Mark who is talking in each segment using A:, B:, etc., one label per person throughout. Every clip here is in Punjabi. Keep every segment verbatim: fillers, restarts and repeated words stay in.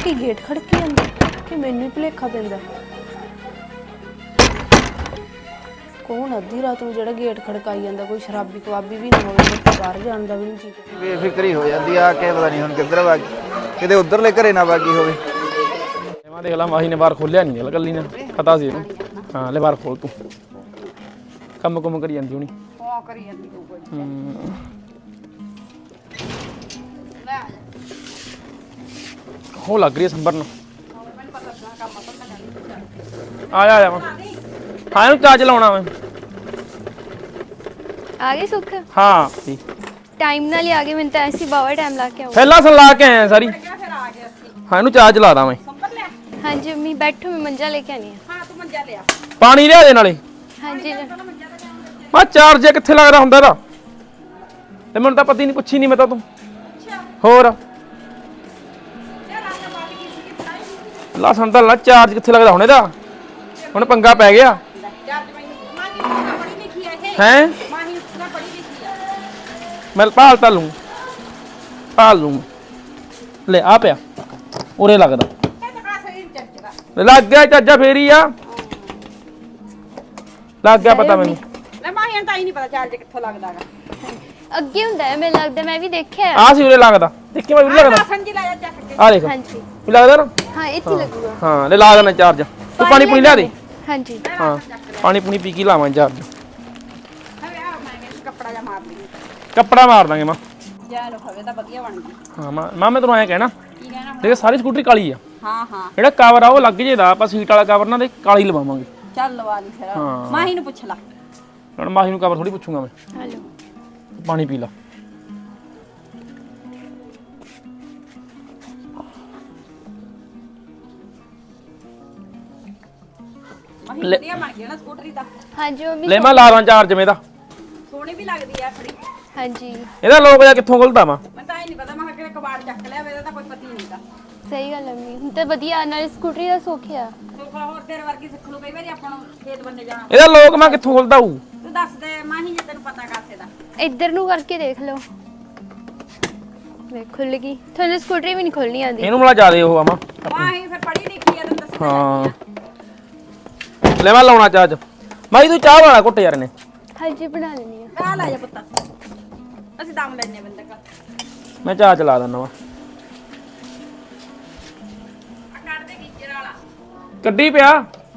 A: ਕੀ ਗੇਟ ਖੜਕੀ ਜਾਂਦਾ ਕਿ ਮੈਨੂੰ ਹੀ ਭੁਲੇਖਾ ਪੈਂਦਾ। ਕੌਣ ਅੱਧੀ ਰਾਤ ਨੂੰ ਜਿਹੜਾ ਗੇਟ ਖੜਕਾਈ ਜਾਂਦਾ? ਕੋਈ ਸ਼ਰਾਬੀ ਕਬਾਬੀ ਵੀ ਨਾ ਹੋਵੇ, ਤੇ ਬਾਹਰ ਜਾਣ ਦਾ ਵੀ ਨਹੀਂ ਜੀ।
B: ਬੇਫਿਕਰੀ ਹੋ ਜਾਂਦੀ ਆ ਕੇ ਪਤਾ ਨਹੀਂ ਹੁਣ ਕਿੱਧਰ ਵਗ ਕਿਤੇ ਉਧਰਲੇ ਘਰੇ ਨਾ ਵਾਗੀ ਹੋਵੇ।
C: ਮੈਂ ਦੇਖ ਲਾ ਮਾਹੀ ਨੇ ਬਾਹਰ ਖੋਲਿਆ ਨਹੀਂ ਗੱਲ ਕੱਲੀ ਨੇ ਪਤਾ ਸੀ ਇਹਨੂੰ। ਹਾਂ ਲੈ ਬਾਹਰ ਖੋਲ ਤੂੰ। ਕੰਮ ਕੁਮ ਕਰੀ ਜਾਂਦੀ ਹੋਣੀ।
D: ਹਾਂ ਕਰੀ ਜਾਂਦੀ ਹੋਊਗੀ।
C: ਹੂੰ
D: ਲੈ ਆ ਜਾ।
C: ਹੋ ਲੱਗ ਰਹੀ ਹੈ ਸੰਭਰਨ।
D: ਮੈਨੂੰ ਪਤਾ ਲੱਗਾ ਕੰਮ ਤਾਂ ਮੈਂ ਨਹੀਂ
C: ਆ ਜਾ ਆ ਜਾ ਮੈਂ ਹਾਂ ਇਹਨੂੰ ਚਾਰਜ ਲਾਉਣਾ ਮੈਂ।
A: ਆ ਗਏ ਸੁੱਖ?
C: ਹਾਂ
A: ਟਾਈਮ ਨਾਲ ਹੀ ਆ ਗਏ। ਮੈਨੂੰ ਤਾਂ ਐਸੀ ਬਾਵਾ ਟਾਈਮ ਲਾ ਕੇ ਆਉ।
C: ਪਹਿਲਾਂ ਸਨ ਲਾ ਕੇ ਆਇਆ ਸਾਰੀ।
D: ਫਿਰ ਆ ਗਿਆ ਅਸੀਂ।
C: ਹਾਂ ਇਹਨੂੰ ਚਾਰਜ ਲਾ ਦਾਂ ਮੈਂ।
D: ਸੰਭਰ ਲਿਆ।
A: ਹਾਂਜੀ ਮੰਮੀ ਬੈਠੋ, ਮੈਂ ਮੰਜਾ ਲੈ ਕੇ ਆਣੀ ਆ।
D: ਹਾਂ ਤੂੰ ਮੰਜਾ ਲਿਆ।
C: ਪਾਣੀ ਲਿਆ ਦੇ ਨਾਲੇ।
A: ਹਾਂਜੀ
C: ਮੈਂ ਚਾਰਜ ਕਿੱਥੇ ਲੱਗਦਾ ਹੁੰਦਾ ਇਹਦਾ? ਤੇ ਮੈਨੂੰ ਤਾਂ ਪਤਾ ਹੀ ਨਹੀਂ, ਪੁੱਛੀ ਨਹੀਂ ਮੈਂ ਤਾਂ ਤੂੰ। ਹੋਰ ਲਾ ਸੰਦਲ ਲਾ ਚਾਰਜ ਕਿੱਥੇ ਲੱਗਦਾ ਹੁਣ ਇਹਦਾ? ਹੁਣ ਪੰਗਾ ਪੈ ਗਿਆ ਹੈ। ਮੈਂ ਭਾਲ ਤਾਂ ਲੂੰ ਭਾਲ ਲੂੰ ਲੈ ਆ ਪਿਆ ਉਰੇ ਲੱਗਦਾ ਲੱਗ ਗਿਆ ਚਾਜਾ ਫੇਰੀ ਆ ਲੱਗ ਗਿਆ ਪਤਾ ਮੈਨੂੰ।
D: ਲੈ ਮਾਹੀਆਂ ਤਾਂ ਹੀ ਨਹੀਂ ਪਤਾ ਚਾਰਜ ਕਿੱਥੋਂ ਲੱਗਦਾਗਾ।
A: ਅੱਗੇ ਹੁੰਦਾ ਹੈ ਮੈਨੂੰ ਲੱਗਦਾ, ਮੈਂ ਵੀ ਦੇਖਿਆ।
C: ਆ ਸੀ ਉਰੇ ਲੱਗਦਾ। ਦੇਖੀ ਮੈਂ ਉਰੇ ਲੱਗਦਾ।
D: ਸੰਜੀ ਲੈ ਜਾ ਚੱਕ ਕੇ।
C: ਆ ਦੇਖ
A: ਹਾਂਜੀ
C: ਵੀ ਲੱਗਦਾ ਨਾ।
A: ਹਾਂ ਇੱਥੇ ਲੱਗੂਗਾ।
C: ਹਾਂ ਲੈ ਲਾ ਦੇਣਾ ਚਾਰਜ। ਤੂੰ ਪਾਣੀ ਪੂਣੀ ਲਿਆ ਦੇ।
A: ਹਾਂਜੀ
C: ਹਾਂ ਪਾਣੀ ਪੂਣੀ ਪੀ ਕੇ ਲਾਵਾਂ ਚਾਰਜ।
D: ਹਵੇ ਆ ਮੈਂ ਕੱਪੜਾ ਜਾ ਮਾਰ ਲਈ।
C: ਕੱਪੜਾ ਮਾਰ ਦਾਂਗੇ ਮਾਂ।
D: ਜਾ ਲੋ ਹਵੇ ਤਾਂ ਵਧੀਆ ਬਣ ਗਈ।
C: ਹਾਂ ਮਾਂ ਮਾਂ ਮੈਂ ਤੈਨੂੰ ਐਂ ਕਹਿਣਾ
D: ਕੀ ਕਹਿਣਾ?
C: ਦੇਖ ਸਾਰੀ ਸਕੂਟਰੀ ਕਾਲੀ ਆ।
D: ਹਾਂ ਹਾਂ
C: ਜਿਹੜਾ ਕਵਰ ਆ ਉਹ ਲੱਗ ਜੇਦਾ। ਆਪਾਂ ਸੀਟ ਵਾਲਾ ਕਵਰ ਨਾ ਦੇ ਕਾਲੀ ਲਵਾਵਾਂਗੇ।
D: ਚੱਲ ਲਵਾ ਲਈ ਫਿਰ।
C: ਹਾਂ।
D: ਮਾਹੀ ਨੂੰ ਪੁੱਛ ਲਾ।
C: ਹੁਣ ਮਾਹੀ ਨੂੰ ਕਵਰ ਥੋੜੀ ਪੁੱਛੂਗਾ ਮੈਂ।
A: ਹਲੋ
C: ਪਾਣੀ ਪੀ ਲਾ।
D: ਮਾਹੀ ਵਧੀਆ ਬਣ ਗਿਆ ਨਾ ਸਕੂਟਰੀ ਦਾ।
A: ਹਾਂਜੀ ਮੰਮੀ
C: ਲੈ ਮੈਂ ਲਾ ਦਾਂ ਚਾਰਜ ਮੇਦਾ।
D: ਸੋਹਣੀ ਵੀ ਲੱਗਦੀ ਆ ਥੋੜੀ।
A: ਹਾਂਜੀ
C: ਇਹਦਾ ਲੋਕ ਜਾ ਕਿੱਥੋਂ ਖੁੱਲਦਾ ਵਾ?
D: ਮੈਂ ਤਾਂ ਇਹ ਨਹੀਂ ਪਤਾ, ਮੈਂ ਕਿਹਾ ਕਿਹੜਾ ਕਬਾੜ ਚੱਕ ਲਿਆ ਵੇ, ਇਹਦਾ ਤਾਂ ਕੋਈ ਪਤਾ ਹੀ ਨਹੀਂਗਾ।
A: ਸਹੀ ਗੱਲ ਹੈ ਮੰਮੀ। ਹੁਣ ਤਾਂ ਵਧੀਆ ਨਾਲ ਸਕੂਟਰੀ ਦਾ ਸੁੱਖ ਆ।
D: ਸੋਖਾ ਹੋਰ ਤੇਰੇ ਵਰਗੀ ਸਿੱਖ ਲੂ ਕਈ ਵਾਰੀ ਆਪਾਂ ਨੂੰ ਖੇਤ ਬੰਨੇ ਜਾਣਾ।
C: ਇਹਦਾ ਲੋਕ ਮੈਂ ਕਿੱਥੋਂ ਖੁੱਲਦਾ ਹੂ?
D: ਤੂੰ ਦੱਸ ਦੇ ਮਾਹੀ ਜੇ ਤੈਨੂੰ ਪਤਾ ਕਾਸੇ ਦਾ।
A: ਇੱਧਰ ਨੂੰ ਕਰਕੇ ਦੇਖ ਲਓ। ਵੇ ਖੁੱਲ ਗਈ। ਤੁਹਾਨੂੰ ਸਕੂਟਰੀ ਵੀ ਨਹੀਂ ਖੋਲਣੀ ਆਉਂਦੀ।
C: ਇਹਨੂੰ ਮਲਾ ਜ਼ਿਆਦੇ ਉਹ ਆਵਾਂ।
D: ਮਾਹੀ ਫਿਰ ਪੜ੍ਹੀ ਲਿਖੀ ਆ, ਤੈਨੂੰ ਦੱਸਣਾ
C: ਹਾਂ ਲੈ ਮੈਂ ਲਾਉਣਾ ਚਾਰਜ। ਮਾਈ ਤੂੰ ਚਾਹ ਬਣਾ ਘੁੱਟ ਯਾਰ ਨੇ।
A: ਹਾਂਜੀ ਬਣਾ ਲੈਣੀ ਆ।
D: ਆ ਲੈ ਜਾ ਪੁੱਤ, ਅਸੀਂ ਦਮ ਲੈਣੇ ਬੰਦੇ ਕਾ।
C: ਮੈਂ ਚਾਹ ਚਲਾ ਦਿੰਦਾ ਵਾ।
D: ਆ ਕੱਢ ਦੇ ਗੀਜਰ ਵਾਲਾ।
C: ਕੱਢੀ ਪਿਆ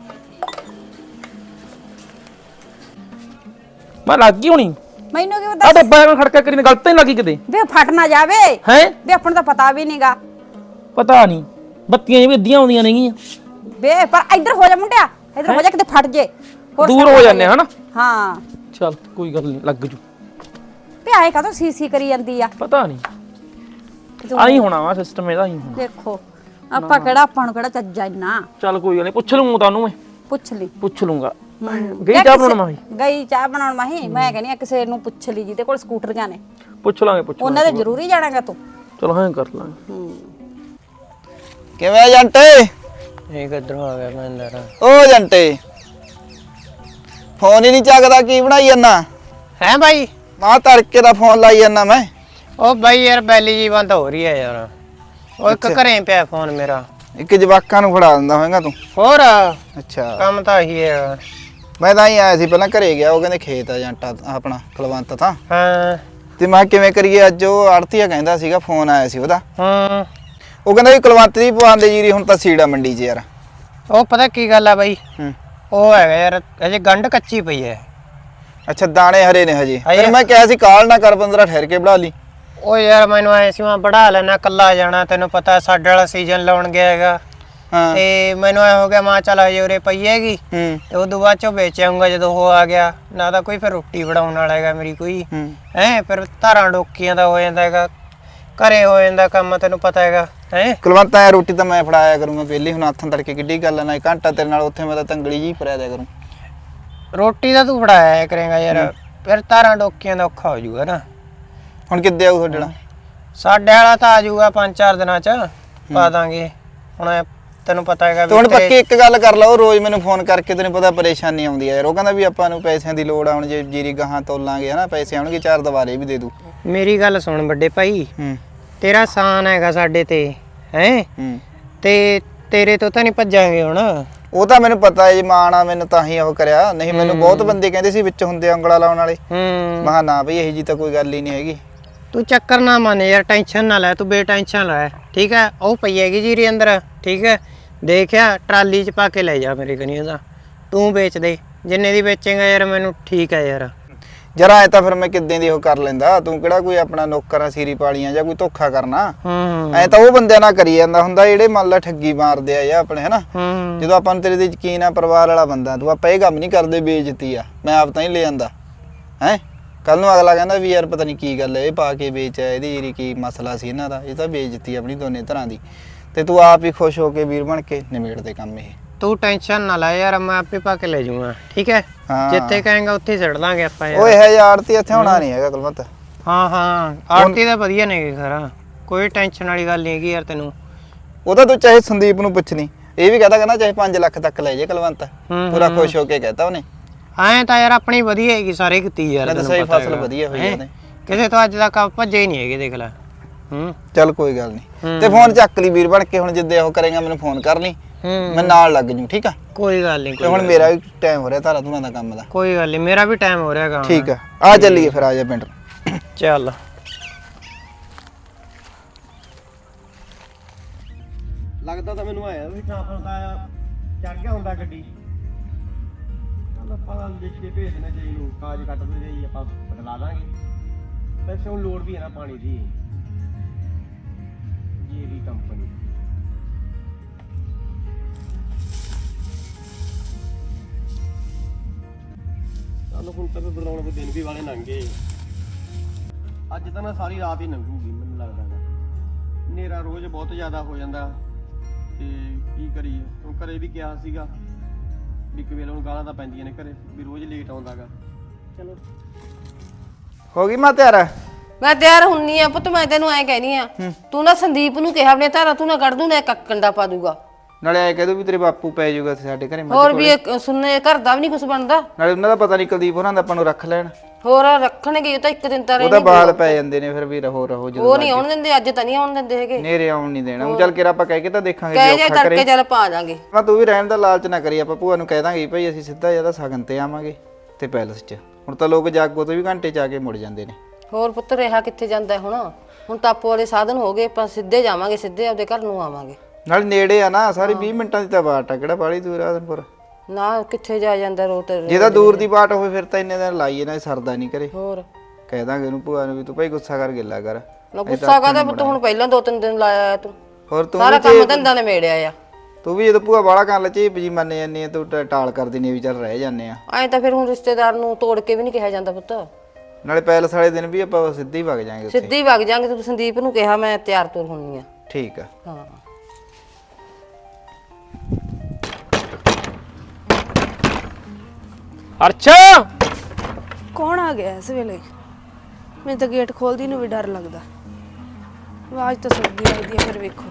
C: ਮੈਂ ਲੱਗ ਗਈ ਹੋਣੀ।
D: ਮੈਨੂੰ ਕੀ
C: ਆ
D: ਪਤਾ
C: ਡੱਬਾ ਐਵੇਂ ਖੜਕਾ ਕਰੀ ਨੇ ਗਲਤ ਨਹੀਂ ਲੱਗੀ ਕਿਤੇ
D: ਵੇ ਫਟ ਨਾ ਜਾਵੇ।
C: ਹੈ?
D: ਵੇ ਆਪਾਂ ਨੂੰ ਤਾਂ ਪਤਾ ਵੀ ਨਹੀਂਗਾ।
C: ਪਤਾ ਨਹੀਂ ਬੱਤੀਆਂ ਜਿਵੇਂ ਅੱਧੀਆਂ ਆਉਂਦੀਆਂ ਨੇਗੀਆਂ।
D: ਵੇ ਪਰ ਇੱਧਰ ਹੋ ਜਾ ਮੁੰਡਿਆ, ਇੱਧਰ ਹੋ ਜਾ ਕਿਤੇ ਫਟ ਜੇ। ਹੋਰ
C: ਦੂਰ
D: ਸਭ
C: ਹੋ ਜਾਂਦੇ ਹਨਾ।
D: ਹਾਂ
C: ਚੱਲ ਕੋਈ ਗੱਲ ਨਹੀਂ ਲੱਗ ਜੂ।
D: ਵੇ ਆਏ ਕਾਹਤੋਂ ਸੀ ਸੀ ਕਰੀ ਜਾਂਦੀ ਆ।
C: ਪਤਾ ਨਹੀਂ ਆਈ ਹੋਣਾ ਵਾ ਸਿਸਟਮ ਇਹਦਾ ਹੀ ਹੋਣਾ।
D: ਦੇਖੋ ਆਪਾਂ ਕਿਹੜਾ, ਆਪਾਂ ਨੂੰ ਕਿਹੜਾ ਚੱਜਾ ਇੰਨਾ।
C: ਚੱਲ ਕੋਈ ਗੱਲ ਨਹੀਂ ਪੁੱਛ ਲੂੰਗਾ ਤੁਹਾਨੂੰ ਮੈਂ।
D: ਪੁੱਛ ਲਈ।
C: ਪੁੱਛ ਲੂੰਗਾ।
D: ਹੂੰ।
C: ਗਈ ਚਾਹ ਬਣਾਉਣ ਮਾਹੀ?
D: ਗਈ ਚਾਹ ਬਣਾਉਣ ਮਾਹੀ। ਮੈਂ ਕਹਿੰਦੀ ਆ ਕਿਸੇ ਨੂੰ ਪੁੱਛ ਲਈ ਜਿਹਦੇ ਕੋਲ ਸਕੂਟਰੀਆਂ ਨੇ।
C: ਪੁੱਛ ਲਾਂਗੇ ਪੁੱਛ
D: ਉਹਨਾਂ ਦੇ ਜ਼ਰੂਰੀ ਜਾਣਾਗਾ ਤੂੰ।
C: ਚਲੋ ਹਾਂ ਕਰ ਲਾਂਗੇ।
D: ਹੂੰ
B: ਕਿਵੇਂ ਜੰਟੇ?
E: ਇਹ ਕਿੱਧਰੋਂ ਆ ਗਿਆ ਮੈਂ ਅੰਦਰ?
B: ਓ ਜੰਟੇ ਫੋਨ ਹੀ ਨਹੀਂ ਚੱਕਦਾ, ਕੀ ਬਣਾਈ ਜਾਂਦਾ?
E: ਹੈ ਬਾਈ?
B: ਮਾਂ ਤੜਕੇ ਦਾ ਫੋਨ ਲਾਈ ਜਾਂਦਾ ਮੈਂ।
E: ਉਹ ਬਾਈ ਯਾਰ ਬੈਲੀ ਜੀ ਬੰਦ ਹੋ ਰਹੀ ਹੈ ਯਾਰ। ਉਹ ਇੱਕ ਘਰੇ ਪਿਆ ਫੋਨ ਮੇਰਾ।
B: ਇੱਕ ਜਵਾਕਾਂ ਨੂੰ ਫੜਾ ਦਿੰਦਾ ਹੋਵੇਂਗਾ ਤੂੰ।
E: ਹੋਰ
B: ਅੱਛਾ
E: ਕੰਮ ਤਾਂ ਇਹੀ ਹੈ।
B: ਮੈਂ ਤਾਂ ਹੀ ਆਇਆ ਸੀ, ਪਹਿਲਾਂ ਘਰੇ ਗਿਆ, ਉਹ ਕਹਿੰਦੇ ਖੇਤ ਆ ਜੰਟਾ ਆਪਣਾ ਕੁਲਵੰਤ ਤਾਂ।
E: ਹਾਂ
B: ਤੇ ਮੈਂ ਕਿਵੇਂ ਕਰੀਏ, ਅੱਜ ਉਹ ਆੜਤੀਆ ਕਹਿੰਦਾ ਸੀਗਾ, ਫੋਨ ਆਇਆ ਸੀ ਉਹਦਾ।
E: ਹਾਂ
B: ਉਹ ਕਹਿੰਦਾ ਵੀ ਕੁਲਵੰਤ ਦੀ ਪਵਾਉਂਦੇ ਜੀਰੀ ਹੁਣ ਤਾਂ ਸੀੜਾ ਮੰਡੀ 'ਚ ਯਾਰ।
E: ਉਹ ਪਤਾ ਕੀ ਗੱਲ ਆ ਬਾਈ,
B: ਹੂੰ
E: ਉਹ ਹੈਗਾ ਯਾਰ ਅਜੇ ਗੰਢ ਕੱਚੀ ਪਈ ਹੈ।
B: ਅੱਛਾ ਦਾਣੇ ਹਰੇ ਨੇ ਹਜੇ।
E: ਹਜੇ-
B: ਫਿਰ ਮੈਂ ਕਿਹਾ ਸੀ ਕਾਲ ਨਾ ਕਰ, ਪੰਦਰਾਂ ਠਹਿਰ ਕੇ ਬਣਾ ਲਈ।
E: ਉਹ ਯਾਰ ਮੈਨੂੰ ਐ ਸੀ ਮੈਂ ਬੜਾ ਲੈਣਾ, ਕੱਲਾ ਜਾਣਾ, ਤੈਨੂੰ ਪਤਾ ਸਾਡੇ ਵਾਲਾ ਸੀਜ਼ਨ ਲਾਉਣ ਗਿਆ ਹੈਗਾ।
B: ਹਾਂ
E: ਤੇ ਮੈਨੂੰ ਐ ਹੋ ਗਿਆ ਮਾਂ ਚੱਲ ਹਜੇ ਉਰੇ ਪਈ ਹੈਗੀ
B: ਹੂੰ
E: ਤੇ ਉਦੋਂ ਬਾਅਦ ਚੋਂ ਵੇਚ ਆਊਂਗਾ ਜਦੋਂ ਉਹ ਆ ਗਿਆ। ਨਾ ਤਾਂ ਕੋਈ ਫਿਰ ਰੋਟੀ ਬਣਾਉਣ ਵਾਲਾ ਹੈਗਾ ਮੇਰੀ ਕੋਈ
B: ਹੂੰ
E: ਹੈ, ਫਿਰ ਧਾਰਾਂ ਡੋਕੀਆਂ ਦਾ ਹੋ ਜਾਂਦਾ ਹੈਗਾ, ਘਰੇ ਹੋ ਜਾਂਦਾ ਕੰਮ, ਤੈਨੂੰ ਪਤਾ ਹੈਗਾ ਹੈ।
B: ਕੁਲਵੰਤ ਆ ਰੋਟੀ ਤਾਂ ਮੈਂ ਫੜਾਇਆ ਕਰੂੰਗਾ ਪਹਿਲੀ, ਹੁਣ ਹੱਥਾਂ ਤੜਕੇ ਕਿੱਡੀ ਗੱਲ ਆ ਨਾ, ਘੰਟਾ ਤੇਰੇ ਨਾਲ ਉੱਥੇ ਮੈਂ ਤਾਂ ਤੰਗਲੀ ਜੀ ਫੜਿਆ ਦਿਆ ਕਰੂੰ।
E: ਰੋਟੀ ਤਾਂ ਤੂੰ ਫੜਾਇਆ ਕਰੇਗਾ ਯਾਰ, ਫਿਰ ਧਾਰਾਂ ਡੋਕੀਆਂ ਦਾ ਔਖਾ ਹੋ ਜਾਊਗਾ ਨਾ।
B: ਹੁਣ ਕਿੱਦੇ ਆਊ ਤੁਹਾਡੇ ਨਾਲ?
E: ਸਾਡੇ ਵਾਲਾ ਤਾਂ ਆ ਜਾਊਗਾ ਪੰਜ ਚਾਰ ਦਿਨਾਂ ਚ ਪਾ ਦਾਂਗੇ। ਹੁਣ ਤੈਨੂੰ ਪਤਾ ਹੈਗਾ
B: ਤੇ ਹੁਣ ਪੱਕੀ ਇੱਕ ਗੱਲ ਕਰ ਲਾ, ਉਹ ਰੋਜ਼ ਮੈਨੂੰ ਫੋਨ ਕਰਕੇ ਤੈਨੂੰ ਪਤਾ ਪਰੇਸ਼ਾਨੀ ਆਉਂਦੀ ਆ ਯਾਰ। ਉਹ ਕਹਿੰਦਾ ਵੀ ਆਪਾਂ ਨੂੰ ਪੈਸਿਆਂ ਦੀ ਲੋੜ ਆ, ਹੁਣ ਜੇ ਜੀਰੀ ਗਾਹਾਂ ਤੋਲਾਂਗੇ ਹਨਾ, ਪੈਸੇ ਆਉਣਗੇ, ਚਾਰ ਦੁਬਾਰੇ ਵੀ ਦੇ ਦੂ।
E: ਮੇਰੀ ਗੱਲ ਸੁਣ ਵੱਡੇ ਭਾਈ,
B: ਹੂੰ
E: ਤੇਰਾ ਸਾਨ ਹੈਗਾ ਸਾਡੇ ਤੇ ਹੈ,
B: ਹੂੰ
E: ਤੇ ਤੇਰੇ ਤੋਂ ਤਾਂ ਨਹੀਂ ਭੱਜਾਂਗੇ ਹੁਣ।
B: ਉਹ ਤਾਂ ਮੈਨੂੰ ਪਤਾ ਹੈ ਜੀ, ਮਾਂ ਨਾਲ ਮੈਨੂੰ ਤਾਂ ਹੀ ਉਹ ਕਰਿਆ, ਨਹੀਂ ਮੈਨੂੰ ਬਹੁਤ ਬੰਦੇ ਕਹਿੰਦੇ ਸੀ ਵਿੱਚ ਹੁੰਦੇ ਉਂਗਲਾ ਲਾਉਣ ਵਾਲੇ।
E: ਹੂੰ
B: ਮਹਾ ਨਾ ਬਈ ਇਹੀ ਜੀ ਤਾਂ ਕੋਈ ਗੱਲ ਹੀ ਨਹੀਂ ਹੈਗੀ।
E: ਤੂੰ ਚੱਕਰ ਨਾ ਮੰਨ ਯਾਰ, ਟੈਨਸ਼ਨ ਨਾ ਲੈ, ਤੂੰ ਬੇਟੈਨਸ਼ਨ ਲੈ, ਠੀਕ ਹੈ। ਉਹ ਪਈ ਹੈਗੀ ਜੀਰੀ ਅੰਦਰ, ਠੀਕ ਹੈ। ਦੇਖਿਆ ਟਰਾਲੀ 'ਚ ਪਾ ਕੇ ਲੈ ਜਾ ਮੇਰੇ ਕਨੀ ਉਹਦਾ, ਤੂੰ ਵੇਚ ਦੇ ਜਿੰਨੇ ਦੀ ਵੇਚੇਗਾ ਯਾਰ, ਮੈਨੂੰ ਠੀਕ ਹੈ ਯਾਰ।
B: ਜਰਾ ਐ ਤਾਂ ਫਿਰ ਮੈਂ ਕਿੱਦਾਂ ਦੀ ਉਹ ਕਰ ਲੈਂਦਾ, ਤੂੰ ਕਿਹੜਾ ਕੋਈ ਆਪਣਾ ਨੌਕਰਾਂ ਸੀਰੀ ਪਾਲੀਆਂ ਜਾਂ ਕੋਈ ਧੋਖਾ ਕਰਨਾ।
E: ਹੂੰ
B: ਐ ਤਾਂ ਉਹ ਬੰਦਿਆਂ ਨਾਲ ਕਰੀ ਜਾਂਦਾ ਹੁੰਦਾ ਜਿਹੜੇ ਮੰਨ ਲਾ ਠੱਗੀ ਮਾਰਦੇ ਆ ਜਾਂ ਆਪਣੇ ਹਨਾ।
E: ਹੂੰ
B: ਜਦੋਂ ਆਪਾਂ ਨੂੰ ਤੇਰੇ ਤੇ ਯਕੀਨ ਆ, ਪਰਿਵਾਰ ਵਾਲਾ ਬੰਦਾ ਤੂੰ, ਆਪਾਂ ਇਹ ਕੰਮ ਨਹੀਂ ਕਰਦੇ ਬੇਇੱਜ਼ਤੀ ਆ, ਮੈਂ ਆਪ ਤਾਂ ਹੀ ਲੈ ਜਾਂਦਾ ਹੈ। ਕੱਲ ਨੂੰ ਅਗਲਾ ਕਹਿੰਦਾ ਵੀ ਯਾਰ ਪਤਾ ਨਹੀਂ ਕੀ ਗੱਲ ਹੈ, ਇਹ ਪਾ ਕੇ ਵੇਚਿਆ, ਇਹਦੀ ਜਿਹੜੀ ਕੀ ਮਸਲਾ ਸੀ ਇਹਨਾਂ ਦਾ। ਇਹ ਤਾਂ ਬੇਇੱਜ਼ਤੀ ਆਪਣੀ ਦੋਨੇ ਤਰ੍ਹਾਂ ਦੀ, ਤੇ ਤੂੰ ਆਪ ਹੀ ਖੁਸ਼ ਹੋ ਕੇ ਵੀਰ ਬਣ ਕੇ ਨਿਬੇੜ ਦੇ ਕੰਮ ਇਹ।
E: ਤੂੰ ਟੈਨਸ਼ਨ ਨਾ ਲੈ ਯਾਰ, ਮੈਂ ਆਪੇ ਪਾ ਕੇ ਲੈ ਜਾਊਂਗਾ, ਠੀਕ ਹੈ।
B: ਹਾਂ।
E: ਜਿੱਥੇ ਕਹੇਗਾ ਉੱਥੇ ਛੱਡ ਦਾਂਗੇ ਆਪਾਂ ਯਾਰ।
B: ਓਏ ਹੈ ਯਾਰ ਤੇ ਇੱਥੇ ਹੋਣਾ ਨਹੀਂ ਹੈਗਾ ਕੁਲਵੰਤ।
E: ਹਾਂ ਹਾਂ ਆਰਤੀ ਤਾਂ ਵਧੀਆ ਨੇ ਖਰਾ, ਕੋਈ ਟੈਨਸ਼ਨ ਵਾਲੀ ਗੱਲ ਨਹੀਂ ਹੈਗੀ ਯਾਰ ਤੈਨੂੰ।
B: ਉਹ ਤਾਂ ਤੂੰ ਚਾਹੇ ਸੰਦੀਪ ਨੂੰ ਪੁੱਛਣੀ, ਇਹ ਵੀ ਕਹਤਾ ਕਹਿੰਦਾ ਚਾਹੇ ਪੰਜ ਲੱਖ ਤੱਕ ਲੈ ਜੇ ਕੁਲਵੰਤ, ਪੂਰਾ ਖੁਸ਼ ਹੋ ਕੇ ਕਹਤਾ ਉਹਨੇ।
E: ਐਂ ਤਾਂ ਯਾਰ ਆਪਣੀ ਵਧੀਆ ਹੈਗੀ ਸਾਰੇ ਕੀਤੀ ਯਾਰ,
B: ਮੈਂ ਤਾਂ ਸਹੀ ਫਸਲ ਵਧੀਆ ਹੋਈ ਉਹਨੇ,
E: ਕਿਸੇ ਤੋਂ ਅੱਜ ਤੱਕ ਭੱਜੇ ਹੀ ਨਹੀਂ ਹੈਗੇ, ਦੇਖ ਲੈ। ਹੂੰ
B: ਚੱਲ ਕੋਈ ਗੱਲ ਨਹੀਂ, ਤੇ ਫੋਨ ਚੱਕ ਲਈ ਵੀਰ ਬਣ ਕੇ, ਹੁਣ ਜਿੱਦੇ ਉਹ ਕਰੇਗਾ ਮੈਨੂੰ ਫੋਨ ਕਰ ਲਈ, ਮੈਂ ਨਾਲ ਲੱਗ ਜੂ, ਠੀਕ ਆ।
E: ਕੋਈ ਗੱਲ ਨਹੀਂ,
B: ਤੇ ਹੁਣ ਮੇਰਾ ਵੀ ਟਾਈਮ ਹੋ ਰਿਹਾ ਧਾਰਾ ਧੂਰਾਂ ਦਾ ਕੰਮ ਦਾ।
E: ਕੋਈ ਗੱਲ ਨਹੀਂ, ਮੇਰਾ ਵੀ ਟਾਈਮ ਹੋ ਰਿਹਾ ਹੈਗਾ।
B: ਠੀਕ ਆ, ਆ ਚੱਲੀਏ ਫਿਰ, ਆ ਜਾ ਪਿੰਡ।
E: ਚੱਲ
F: ਲੱਗਦਾ ਤਾਂ ਮੈਨੂੰ ਆਇਆ ਵੀ ਟ੍ਰਾਂਸਫਰ ਦਾ ਚੜ ਗਿਆ ਹੁੰਦਾ ਗੱਡੀ। ਚੱਲ ਆਪਾਂ ਲਿਖ ਕੇ ਭੇਜ ਦੇਣਾ ਜੀ ਨੂੰ, ਕਾਜ ਕੱਟ ਦੇ ਜੀ, ਆਪਾਂ ਬਦਲਾ ਦਾਂਗੇ। ਵੈਸੇ ਹੁਣ ਲੋੜ ਵੀ ਹੈ ਨਾ ਪਾਣੀ ਦੀ, ਜੀ ਦੀ ਕੰਪਨੀ। ਚੱਲ ਹੁਣ ਤਾਂ ਬਦਲਾਉਣ ਦੇ ਦਿਨ ਵੀ ਵਾਲੇ ਲੰਘ ਗਏ, ਅੱਜ ਤਾਂ ਨਾ ਸਾਰੀ ਰਾਤ ਹੀ ਲੰਘੂਗੀ ਮੈਨੂੰ ਲੱਗਦਾ ਹੈ। ਹਨੇਰਾ ਰੋਜ਼ ਬਹੁਤ ਜ਼ਿਆਦਾ ਹੋ ਜਾਂਦਾ, ਤੇ ਕੀ ਕਰੀਏ। ਹੁਣ ਘਰੇ ਵੀ ਕਿਹਾ ਸੀਗਾ ਵੀ ਕਿ ਵੇਲੇ ਨੂੰ ਗਾਲਾਂ ਤਾਂ ਪੈਂਦੀਆਂ ਨੇ ਘਰੇ ਵੀ ਰੋਜ਼ ਲੇਟ ਆਉਂਦਾਗਾ। ਚਲੋ
B: ਹੋ ਗਈ ਮੈਂ ਤਿਆਰ।
A: ਮੈਂ ਤਿਆਰ ਹੁੰਨੀ ਆ ਪੁੱਤ, ਮੈਂ ਤੈਨੂੰ ਐ ਕਹਿਨੀ ਆ, ਤੂੰ ਨਾ ਸੰਦੀਪ ਨੂੰ ਕਿਹਾ ਆਪਣੇ ਧਾਰਾ ਤੂੰ ਨਾ ਕੱਢ ਦੂੰ, ਨਾ ਕੱਕੰਡਾ ਪਾ ਦੂਗਾ।
B: ਨਾਲੇ ਐ ਕਹਿ ਦੂ ਵੀ ਤੇਰੇ ਬਾਪੂ ਪੈ ਜਾਊਗਾ ਸਾਡੇ ਘਰੇ।
A: ਹੋਰ ਵੀ ਇਹ ਸੁਣਨੇ ਘਰ ਦਾ ਵੀ ਨਹੀਂ ਕੁਝ ਬਣਦਾ,
B: ਨਾਲੇ ਉਹਨਾਂ ਦਾ ਪਤਾ ਨਹੀਂ ਕੁਲਦੀਪ ਹੋਰਾਂ ਦਾ ਆਪਾਂ ਨੂੰ ਰੱਖ ਲੈਣ।
A: ਹੋਰ ਰੱਖਣਗੇ ਤਾਂ ਇੱਕ ਦਿਨ ਤਾਂ
B: ਉਹਦਾ
A: ਰਹਿਣਗੇ।
B: ਬਾਲ ਪੈ ਜਾਂਦੇ ਨੇ ਫਿਰ ਵੀ ਰਹੋ ਰਹੋ ਜਦੋਂ
A: ਉਹ ਨਹੀਂ ਆਉਣ ਦਿੰਦੇ, ਅੱਜ ਤਾਂ ਨਹੀਂ ਆਉਣ ਦਿੰਦੇ ਹੈਗੇ।
B: ਨੇਰੇ ਆਉਣ ਨਹੀਂ ਦੇਣਾ। ਉਹ ਚੱਲ ਕੇ ਆਪਾਂ ਕਹਿ ਕੇ ਤਾਂ ਦੇਖਾਂਗੇ
A: ਕਹਿ
B: ਜੇ
A: ਜੇ
B: ਔਖਾ
A: ਤੜਕੇ
B: ਕਰੇ।
A: ਚੱਲ ਪਾ ਜਾਾਂਗੇ।
B: ਮੈਂ ਤੂੰ ਵੀ ਰਹਿਣ ਦਾ ਲਾਲਚ ਨਾ ਕਰੀ, ਆਪਾਂ ਭੂਆ ਨੂੰ ਕਹਿ ਦਾਂਗੇ ਭਾਈ ਅਸੀਂ ਸਿੱਧਾ ਜਿਆਦਾ ਸਗਨ ਤੇ ਆਵਾਂਗੇ ਤੇ ਪੈਲਸ 'ਚ। ਹੁਣ ਤਾਂ ਲੋਕ ਜਾਗੋ ਤੋਂ ਵੀ ਘੰਟੇ 'ਚ ਆ ਕੇ ਮੁੜ ਜਾਂਦੇ ਨੇ।
A: ਹੋਰ ਪੁੱਤ ਰਿਹਾ ਕਿੱਥੇ ਜਾਂਦਾ ਹੁਣ, ਹੁਣ ਟਾਪੋ ਵਾਲੇ ਸਾਧਨ ਹੋ ਗਏ, ਆਪਾਂ ਸਿੱਧੇ ਜਾਵਾਂਗੇ, ਸਿੱਧੇ ਆਪਦੇ ਘਰ ਨੂੰ ਆਵਾਂਗੇ।
B: ਨਾਲ ਨੇੜੇ ਆ ਨਾ, ਸਾਰੀ ਵੀਹ ਮਿੰਟਾਂ ਦੀ ਤਾਂ ਬਾਟ ਆ, ਕਿਹੜਾ ਬਾਹਲੀ ਦੂਰ ਆ ਆਦਮਪੁਰ।
A: ਨਾ ਕਿੱਥੇ ਜਾ ਜਾਂਦਾ ਰੋਟ।
B: ਜੇ ਤਾਂ ਦੂਰ ਦੀ ਬਾਟ ਹੋਵੇ ਫਿਰ ਤਾਂ ਇੰਨੇ ਦਿਨ ਲਾਈਏ ਨਾ, ਸਰਦਾ ਨਹੀਂ ਕਰੇ।
A: ਹੋਰ
B: ਕਹਿ ਦਾਂਗੇ ਉਹਨੂੰ ਭੂਆ ਨੂੰ ਵੀ ਤੂੰ ਭਾਈ ਗੁੱਸਾ ਕਰ ਗਿੱਲਾ ਕਰ।
A: ਨਾ ਗੁੱਸਾ ਕਾਹਦਾ ਪੁੱਤ, ਹੁਣ ਪਹਿਲਾਂ ਦੋ ਤਿੰਨ ਦਿਨ ਲਾਇਆ ਤੂੰ,
B: ਹੋਰ ਤੂੰ
A: ਸਾਰਾ ਕੰਮ ਧੰਦਾ ਨੇ ਮੇੜਿਆ ਆ।
B: ਤੂੰ ਵੀ ਜਦੋਂ ਭੂਆ ਬਾਹਲਾ ਕਰਨ ਲੱਚੀ ਜੀ ਮੰਨ ਜਾਂਦੀ ਆ, ਤੂੰ ਟ- ਟਾਲ ਕਰ ਦਿੰਦੀ ਆ ਵੀ ਚੱਲ ਰਹਿ ਜਾਂਦੇ ਆ।
A: ਐਂ ਤਾਂ ਫਿਰ ਹੁਣ ਰਿਸ਼ਤੇਦਾਰ ਨੂੰ ਤੋੜ ਕੇ ਵੀ ਨਹੀਂ ਕਿਹਾ ਜਾਂਦਾ ਪੁੱਤ।
B: ਨਾਲੇ ਪੈਲਸ ਵਾਲੇ ਦਿਨ ਵੀ ਆਪਾਂ ਸਿੱਧੇ ਹੀ ਵਗ ਜਾਾਂਗੇ ਉੱਥੇ।
A: ਸਿੱਧੇ ਹੀ ਵਗ ਜਾਾਂਗੇ। ਤੂੰ ਸੰਦੀਪ ਨੂੰ ਕਿਹਾ ਮੈਂ ਤਿਆਰ ਤੁਰ ਹੁੰਨੀ ਆ।
B: ਠੀਕ ਆ।
A: ਹਾਂ
C: ਅੱਛਾ
A: ਕੌਣ ਆ ਗਿਆ ਇਸ ਵੇਲੇ? ਮੈਨੂੰ ਤਾਂ ਗੇਟ ਖੋਲਦੀ ਨੂੰ ਵੀ ਡਰ ਲੱਗਦਾ। ਆਵਾਜ਼ ਤਾਂ ਸੁਣਦੀ ਲੱਗਦੀ ਹੈ, ਫਿਰ ਵੇਖੋ।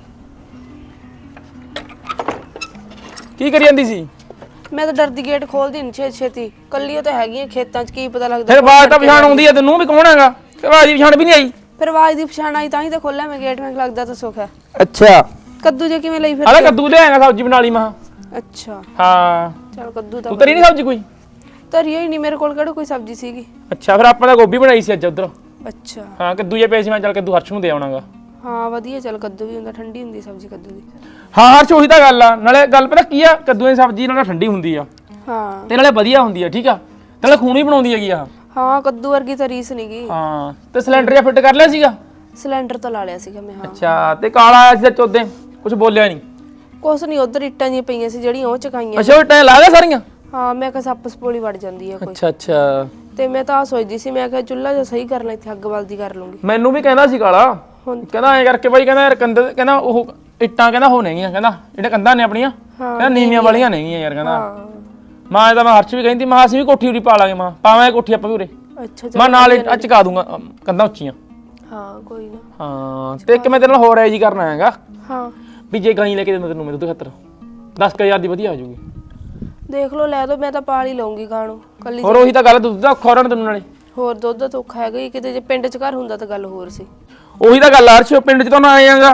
C: ਕੀ ਕਰੀ ਜਾਂਦੀ ਸੀ?
A: ਮੈਂ ਤਾਂ ਡਰਦੀ ਗੇਟ ਖੋਲਦੀ ਨਹੀਂ ਛੇ ਛੇਤੀ, ਕੱਲੀ ਉਹ ਤਾਂ ਹੈਗੀ ਆ ਖੇਤਾਂ 'ਚ, ਕੀ ਪਤਾ ਲੱਗਦਾ।
C: ਫਿਰ ਆਵਾਜ਼ ਤਾਂ ਪਛਾਣ ਆਉਂਦੀ ਆ ਤੈਨੂੰ ਵੀ ਕੌਣ ਹੈਗਾ, ਤੇ ਆਵਾਜ਼ ਦੀ ਪਛਾਣ ਵੀ ਨਹੀਂ ਆਈ।
A: ਫਿਰ ਆਵਾਜ਼ ਦੀ ਪਛਾਣ ਆਈ ਤਾਂ ਹੀ ਤਾਂ ਖੋਲਿਆ ਮੈਂ ਗੇਟ। ਮੈਨੂੰ ਲੱਗਦਾ ਤਾਂ ਸੁੱਖ ਹੈ।
C: ਅੱਛਾ
A: ਕੱਦੂ ਜੇ ਕਿਵੇਂ ਲਈ ਫਿਰ?
C: ਆਲਾ ਕੱਦੂ ਲਿਆਏਗਾ, ਸਬਜ਼ੀ ਬਣਾ ਲਈ ਮਾਂ।
A: ਅੱਛਾ
C: ਹਾਂ
A: ਚਲ ਕੱਦੂ ਤਾਂ
C: ਤੂੰ ਤਰੀ ਨਹੀਂ ਸਬਜ਼ੀ ਕੋਈ?
A: ਧਰੀ ਹੀ ਨਹੀਂ ਮੇਰੇ ਕੋਲ, ਕਿਹੜਾ ਕੋਈ ਸਬਜ਼ੀ ਸੀਗੀ।
C: ਅੱਛਾ ਫਿਰ ਆਪਾਂ ਤਾਂ ਗੋਭੀ ਬਣਾਈ ਸੀ ਅੱਜ ਉਧਰ।
A: ਅੱਛਾ
C: ਹਾਂ ਕੱਦੂ ਜੇ ਪਏ ਸੀ, ਮੈਂ ਚੱਲ ਕੱਦੂ ਹਰਸ਼ ਨੂੰ ਦੇ ਆਉਣਾਗਾ।
A: ਹਾਂ ਵਧੀਆ, ਚੱਲ ਕੱਦੂ ਵੀ ਹੁੰਦਾ, ਠੰਡੀ ਹੁੰਦੀ ਸਬਜ਼ੀ ਕੱਦੂ ਦੀ।
C: ਹਾਂ ਹਰਸ਼ ਉਹੀ ਤਾਂ ਗੱਲ ਆ, ਨਾਲੇ ਗੱਲ ਪਤਾ ਕੀ ਆ, ਕੱਦੂ ਦੀ ਸਬਜ਼ੀ ਨਾਲੇ ਠੰਡੀ ਹੁੰਦੀ ਆ
A: ਹਾਂ
C: ਤੇ ਨਾਲੇ ਵਧੀਆ ਹੁੰਦੀ ਆ, ਠੀਕ ਆ, ਨਾਲੇ ਖੂਨ ਵੀ ਬਣਾਉਂਦੀ ਹੈਗੀ ਆ।
A: ਹਾਂ ਕੱਦੂ ਵਰਗੀ ਤਾਂ ਰੀਸ ਨਹੀਂਗੀ।
C: ਹਾਂ ਤੇ ਸਿਲੰਡਰ ਜਿਹਾ ਫਿੱਟ ਕਰ ਲਿਆ ਸੀਗਾ?
A: ਸਿਲੰਡਰ ਤਾਂ ਲਾ ਲਿਆ ਸੀਗਾ ਮੈਂ। ਹਾਂ
C: ਅੱਛਾ ਤੇ ਕਾਲਾ ਆਇਆ ਸੀ ਚੋਦੇ, ਕੁਝ ਬੋਲਿਆ ਨਹੀਂ?
A: ਕੁਛ ਨਹੀਂ, ਉਧਰ ਇੱਟਾਂ ਜੀਆਂ ਪਈਆਂ ਸੀ ਜਿਹੜੀਆਂ ਉਹ ਚਕਾਈਆਂ।
C: ਅੱਛਾ ਉਹ ਟਾਂ ਲਾ ਗਿਆ ਸਾਰੀਆਂ?
A: ਹਾਂ ਮੈਂ ਕਿਹਾ ਸੱਪ ਸਪੋਲੀ ਵੜ ਜਾਂਦੀ ਆ ਕੋਈ।
C: ਅੱਛਾ ਅੱਛਾ
A: ਤੇ ਮੈਂ ਤਾਂ ਆ ਸੋਚਦੀ ਸੀ, ਮੈਂ ਕਿਹਾ ਚੁੱਲ੍ਹਾ ਜਿਹਾ ਸਹੀ ਕਰ ਲੈ, ਇੱਥੇ ਅੱਗ ਬਲਦੀ ਕਰ ਲੂੰਗੀ।
C: ਮੈਨੂੰ ਵੀ ਕਹਿੰਦਾ ਸੀ ਕਾਲਾ,
A: ਹੁਣ
C: ਕਹਿੰਦਾ ਐਂ ਕਰਕੇ ਬਾਈ, ਕਹਿੰਦਾ ਯਾਰ ਕੰਧ, ਕਹਿੰਦਾ ਉਹ ਇੱਟਾਂ ਕਹਿੰਦਾ ਹੋ ਨਹੀਂਆਂ, ਕਹਿੰਦਾ ਜਿਹੜੇ ਕੰਧਾਂ ਨੇ ਆਪਣੀਆਂ ਕਹਿੰਦਾ ਨੀਵੀਆਂ ਵਾਲੀਆਂ ਨਹੀਂਆਂ ਯਾਰ, ਕਹਿੰਦਾ। ਮਾਂ ਇਹਦਾ ਮੈਂ ਹਰਸ਼ ਵੀ ਕਹਿੰਦੀ, ਮਾਂ ਅਸੀਂ ਵੀ ਕੋਠੀ ਉਰੀ ਪਾ ਲਾਂਗੇ, ਮਾਂ ਪਾਵਾਂਗੇ ਕੋਠੀ ਆਪਾਂ ਵੀ ਉਰੇ।
A: ਅੱਛਾ
C: ਮੈਂ ਨਾਲ ਅੱਜ ਚਕਾ ਦੂੰਗਾ ਕੰਧਾਂ ਉੱਚੀਆਂ।
A: ਹਾਂ ਕੋਈ ਨਾ।
C: ਹਾਂ ਤੇ ਇੱਕ ਮੈਂ ਤੇਰੇ ਨਾਲ ਹੋਰ ਐ ਜੀ ਕਰਨਾ ਹੈਗਾ
A: ਹਾਂ
C: ਵੀ ਜੇ ਗਾਈ ਲੈ ਕੇ ਦਿੰਦਾ ਤੈਨੂੰ ਮੇਰੇ ਤੋਂ ਖਾਤਰ ਦਸ ਹਜ਼ਾਰ ਦੀ ਵਧੀਆ ਆ ਜਾਊਗੀ।
A: ਦੇਖ ਲਓ, ਲੈ ਦੋ, ਮੈਂ ਤਾਂ ਪਾਲ ਹੀ ਲਊਂਗੀ ਗਾਂ ਨੂੰ ਕੱਲੀ।
C: ਹੋਰ ਉਹੀ ਤਾਂ ਗੱਲ, ਦੁੱਧ ਦਾ ਔਖਾ ਹੋਣਾ ਤੈਨੂੰ ਨਾਲੇ।
A: ਹੋਰ ਦੁੱਧ ਦਾ ਤਾਂ ਔਖਾ ਹੈਗਾ ਹੀ, ਕਿਤੇ ਜੇ ਪਿੰਡ 'ਚ ਘਰ ਹੁੰਦਾ ਤਾਂ ਗੱਲ ਹੋਰ ਸੀ।
C: ਉਹੀ ਤਾਂ ਗੱਲ ਆ ਹਰਸ਼, ਪਿੰਡ 'ਚ ਤਾਂ ਨਾ ਆਏਗਾ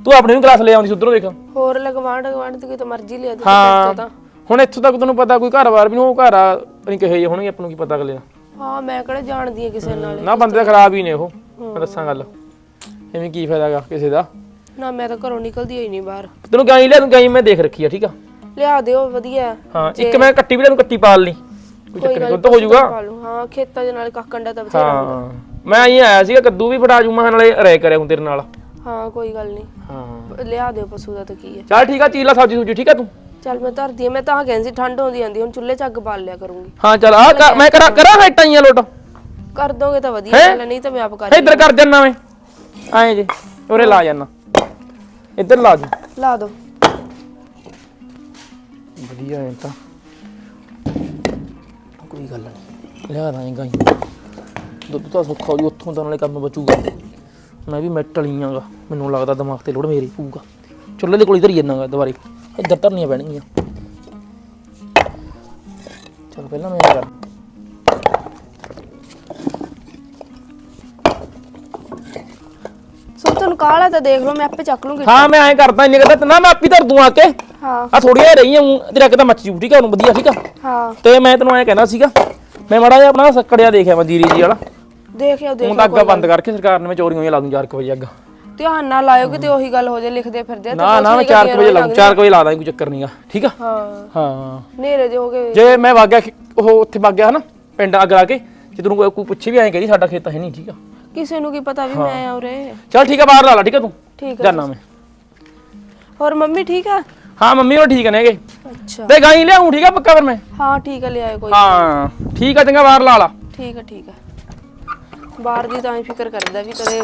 C: ਤੂੰ ਆਪਣੇ ਨੂੰ ਕਲਾਸ ਲੈ ਆਉਂਦੀ ਸੀ ਉਧਰੋਂ ਦੇਖ
A: ਹੋਰ ਲਗਵਾਂਡ ਗਵਾਂਡ ਤੇ ਕਿਤੇ ਮਰਜ਼ੀ ਲਿਆ ਦੇ
C: ਹਾਂ ਹੁਣ ਇੱਥੋਂ ਤੱਕ ਤੈਨੂੰ ਪਤਾ ਕੋਈ ਘਰ-ਬਾਰ ਵੀ ਨਹੀਂ ਉਹ ਘਰ ਆ ਨਹੀਂ ਕਹੇ ਜੇ ਹੋਣਗੇ ਆਪਾਂ ਨੂੰ ਕੀ ਪਤਾ ਅਗਲੇ ਦਾ
A: ਹਾਂ ਮੈਂ ਕਿਹੜਾ ਜਾਣਦੀ ਆ ਕਿਸੇ ਨਾਲ
C: ਨਾ ਬੰਦੇ ਤਾਂ ਖਰਾਬ ਹੀ ਨੇ ਉਹ ਮੈਂ ਦੱਸਾਂ ਗੱਲ ਐਵੇਂ ਕੀ ਫਾਇਦਾਗਾ ਕਿਸੇ ਦਾ
A: ਨਾ ਮੈਂ ਤਾਂ ਘਰੋਂ ਨਿਕਲਦੀ ਹੋਈ ਨਹੀਂ ਬਾਹਰ
C: ਤੈਨੂੰ ਗਾਈ ਲਿਆ ਤੂੰ ਗਾਈ ਮੈਂ ਦੇਖ ਰੱਖੀ ਆ ਠੀਕ ਆ
A: ਲਿਆ ਦਿਓ ਵਧੀਆ
C: ਹਾਂ ਇੱਕ ਮੈਂ ਕੱਟੀ ਵੀ ਤੈਨੂੰ ਕੱਟੀ ਪਾਲ ਲਈ ਕੋਈ ਚੱਕਰ ਨਹੀਂ ਦੁੱਧ ਹੋ ਜਾਊਗਾ
A: ਹਾਂ ਖੇਤਾਂ ਦੇ ਨਾਲ ਕੱਕੰਡਾ ਤਾਂ ਬਥੇਰਾ
C: ਹਾਂ ਮੈਂ ਆਈ ਆਇਆ ਸੀਗਾ ਕੱਦੂ ਵੀ ਫੜਾ ਜੂ ਮੈਂ ਨਾਲੇ ਰਹਿ ਕਰਿਆ ਹੂੰ ਤੇਰੇ ਨਾਲ
A: ਹਾਂ ਕੋਈ ਗੱਲ ਨਹੀਂ
C: ਹਾਂ
A: ਲਿਆ ਦਿਓ ਪਸ਼ੂ ਦਾ ਤਾਂ ਕੀ ਹੈ
C: ਚੱਲ ਠੀਕ ਆ ਚੀਲਾ ਸਬਜ਼ੀ ਸੁਜੀ ਠੀਕ ਆ ਤੂੰ
A: ਚੱਲ ਮੈਂ ਧਰਦੀ ਆ ਮੈਂ ਤਾਂ ਕਹਿੰਦੀ ਸੀ ਠੰਡ ਆਉਂਦੀ ਆਂਦੀ ਹੁਣ ਚੁੱਲ੍ਹੇ 'ਚ ਅੱਗ ਬਾਲ ਲਿਆ ਕਰੂੰਗੀ
C: ਹਾਂ ਚੱਲ ਆ ਮੈਂ ਕਰਾਂ ਕਰਾਂ ਹੈਟਾਂ ਹੀ ਆ ਲੋਟ
A: ਕਰ ਦੋਗੇ ਤਾਂ ਵਧੀਆ ਗੱਲ ਹੈ, ਨਹੀਂ ਤਾਂ ਮੈਂ ਆਪ ਕਰ
C: ਇੱਧਰ ਕਰ ਜੰਨਾ ਮੈਂ ਆਏ ਜੇ ਉਰੇ ਲਾ ਜਾਨਾ ਇੱਧਰ ਲਾ ਜੀ
A: ਲਾ ਦੋ
C: ਵਧੀਆ ਐ ਤਾਂ ਕੋਈ ਗੱਲ ਨਹੀਂ ਲਿਆ ਦਾਂਗਾ ਦੁੱਧ ਤਾਂ ਸੁੱਖਾ ਹੋ ਜੂ ਉੱਥੋਂ ਤਾਂ ਨਾਲੇ ਕੰਮ ਬਚੂਗਾ ਮੈਂ ਵੀ ਮੈਟ ਵਾਲੀਆਂਗਾ ਮੈਨੂੰ ਲੱਗਦਾ ਦਿਮਾਗ ਤੇ ਲੋੜ ਮੇਰੀ ਪਊਗਾ ਚੁੱਲ੍ਹੇ ਦੇ ਕੋਲ ਇਧਰ ਹੀ ਜਾਣਾਗਾ ਦੁਬਾਰੇ ਇੱਧਰ ਧਰਨੀਆਂ ਪੈਣਗੀਆਂ ਚਲ ਪਹਿਲਾਂ ਮੈਂ ਕਰ
A: ਸੋ ਤੁਹਾਨੂੰ ਕਾਲਾ ਤਾਂ ਦੇਖ ਲਓ ਮੈਂ ਆਪੇ ਚੱਕ ਲੂੰਗੀ
C: ਹਾਂ ਮੈਂ ਐਂ ਕਰਦਾ ਇੰਨੇ ਕਰਦਾ ਨਾ ਮੈਂ ਆਪੀ ਧਰ ਦੂੰ ਆ ਕੇ
A: ਹਾਂ
C: ਆ ਥੋੜੀਆਂ ਰਹੀਆਂ ਤੇਰਾ ਕਿਤਾ ਮੱਚ ਜੂ ਠੀਕ ਆ ਉਹਨੂੰ ਵਧੀਆ ਠੀਕ ਆ
A: ਹਾਂ
C: ਤੇ ਮੈਂ ਤੈਨੂੰ ਐਂ ਕਹਿਣਾ ਸੀਗਾ ਮੈਂ ਮਾੜਾ ਜਿਹਾ ਆਪਣਾ ਸੱਕੜਿਆ ਦੇਖਿਆ ਮੈਂ ਜੀਰੀ ਜੀ ਵਾਲਾ
A: ਦੇਖਿਓ ਦੇਖ
C: ਹੁਣ ਤਾਂ ਅੱਗਾ ਬੰਦ ਕਰਕੇ ਸਰਕਾਰ ਨੇ ਮੈਂ ਚੋਰੀਆਂ ਹੋਈਆਂ ਲਾ ਦੂੰ ਚਾਰ ਕੁ ਵਜੇ ਅੱਗਾ
A: ਧਿਆਨ ਨਾਲ ਲਾਇਓ ਕਿਤੇ ਉਹੀ ਗੱਲ ਹੋ ਜਾਏ ਲਿਖਦੇ ਫਿਰਦੇ ਆ
C: ਨਾ ਨਾ ਮੈਂ ਚਾਰ ਕੁ ਵਜੇ ਲਾ ਦੂੰ ਚਾਰ ਕੁ ਵਜੇ ਲਾ ਦਾਂ ਕੋਈ ਚੱਕਰ ਨਹੀਂਗਾ ਠੀਕ ਆ
A: ਹਾਂ
C: ਹਾਂ
A: ਨੇਰੇ ਦੇ ਹੋ ਗਏ
C: ਜੇ ਮੈਂ ਵਗ ਗਿਆ ਉਹ ਉੱਥੇ ਵਗ ਗਿਆ ਹਨਾ ਪਿੰਡ ਅੱਗ ਲਾ ਕੇ ਜੇ ਤੈਨੂੰ ਕੋਈ ਪੁੱਛੇ ਵੀ ਐਂ ਕਹਦੀ ਸਾਡਾ ਖੇਤ ਹੈ ਨਹੀਂ ਠੀਕ ਆ
A: ਕਿਸੇ ਨੂੰ ਕੀ ਪਤਾ ਵੀ ਮੈਂ ਆ ਉਰੇ
C: ਚੱਲ ਠੀਕ ਆ ਬਾਹਰ ਲਾ ਲਾ ਠੀਕ ਆ ਤੂੰ
A: ਠੀਕ ਆ
C: ਜਾਨਾ ਮੈਂ
A: ਹੋਰ ਮੰਮੀ ਠੀਕ ਆ
C: ਹਾਂ ਮੰਮੀ ਉਹ ਠੀਕ ਨੇਗੇ
A: ਅੱਛਾ
C: ਤੇ ਗਾਈ ਲਿਆਉਂ ਠੀਕ ਆ ਪੱਕਾ ਫਿਰ ਮੈਂ
A: ਹਾਂ ਠੀਕ ਆ ਲਿਆਏ ਕੋਈ
C: ਹਾਂ ਠੀਕ ਆ ਚੰਗਾ ਬਾਹਰ ਲਾ ਲਾ
A: ਠੀਕ ਆ ਠੀਕ ਆ ਬਾਹਰ ਦੀ ਤਾਂ ਹੀ ਫਿਕਰ ਕਰਦਾ ਵੀ ਕਦੇ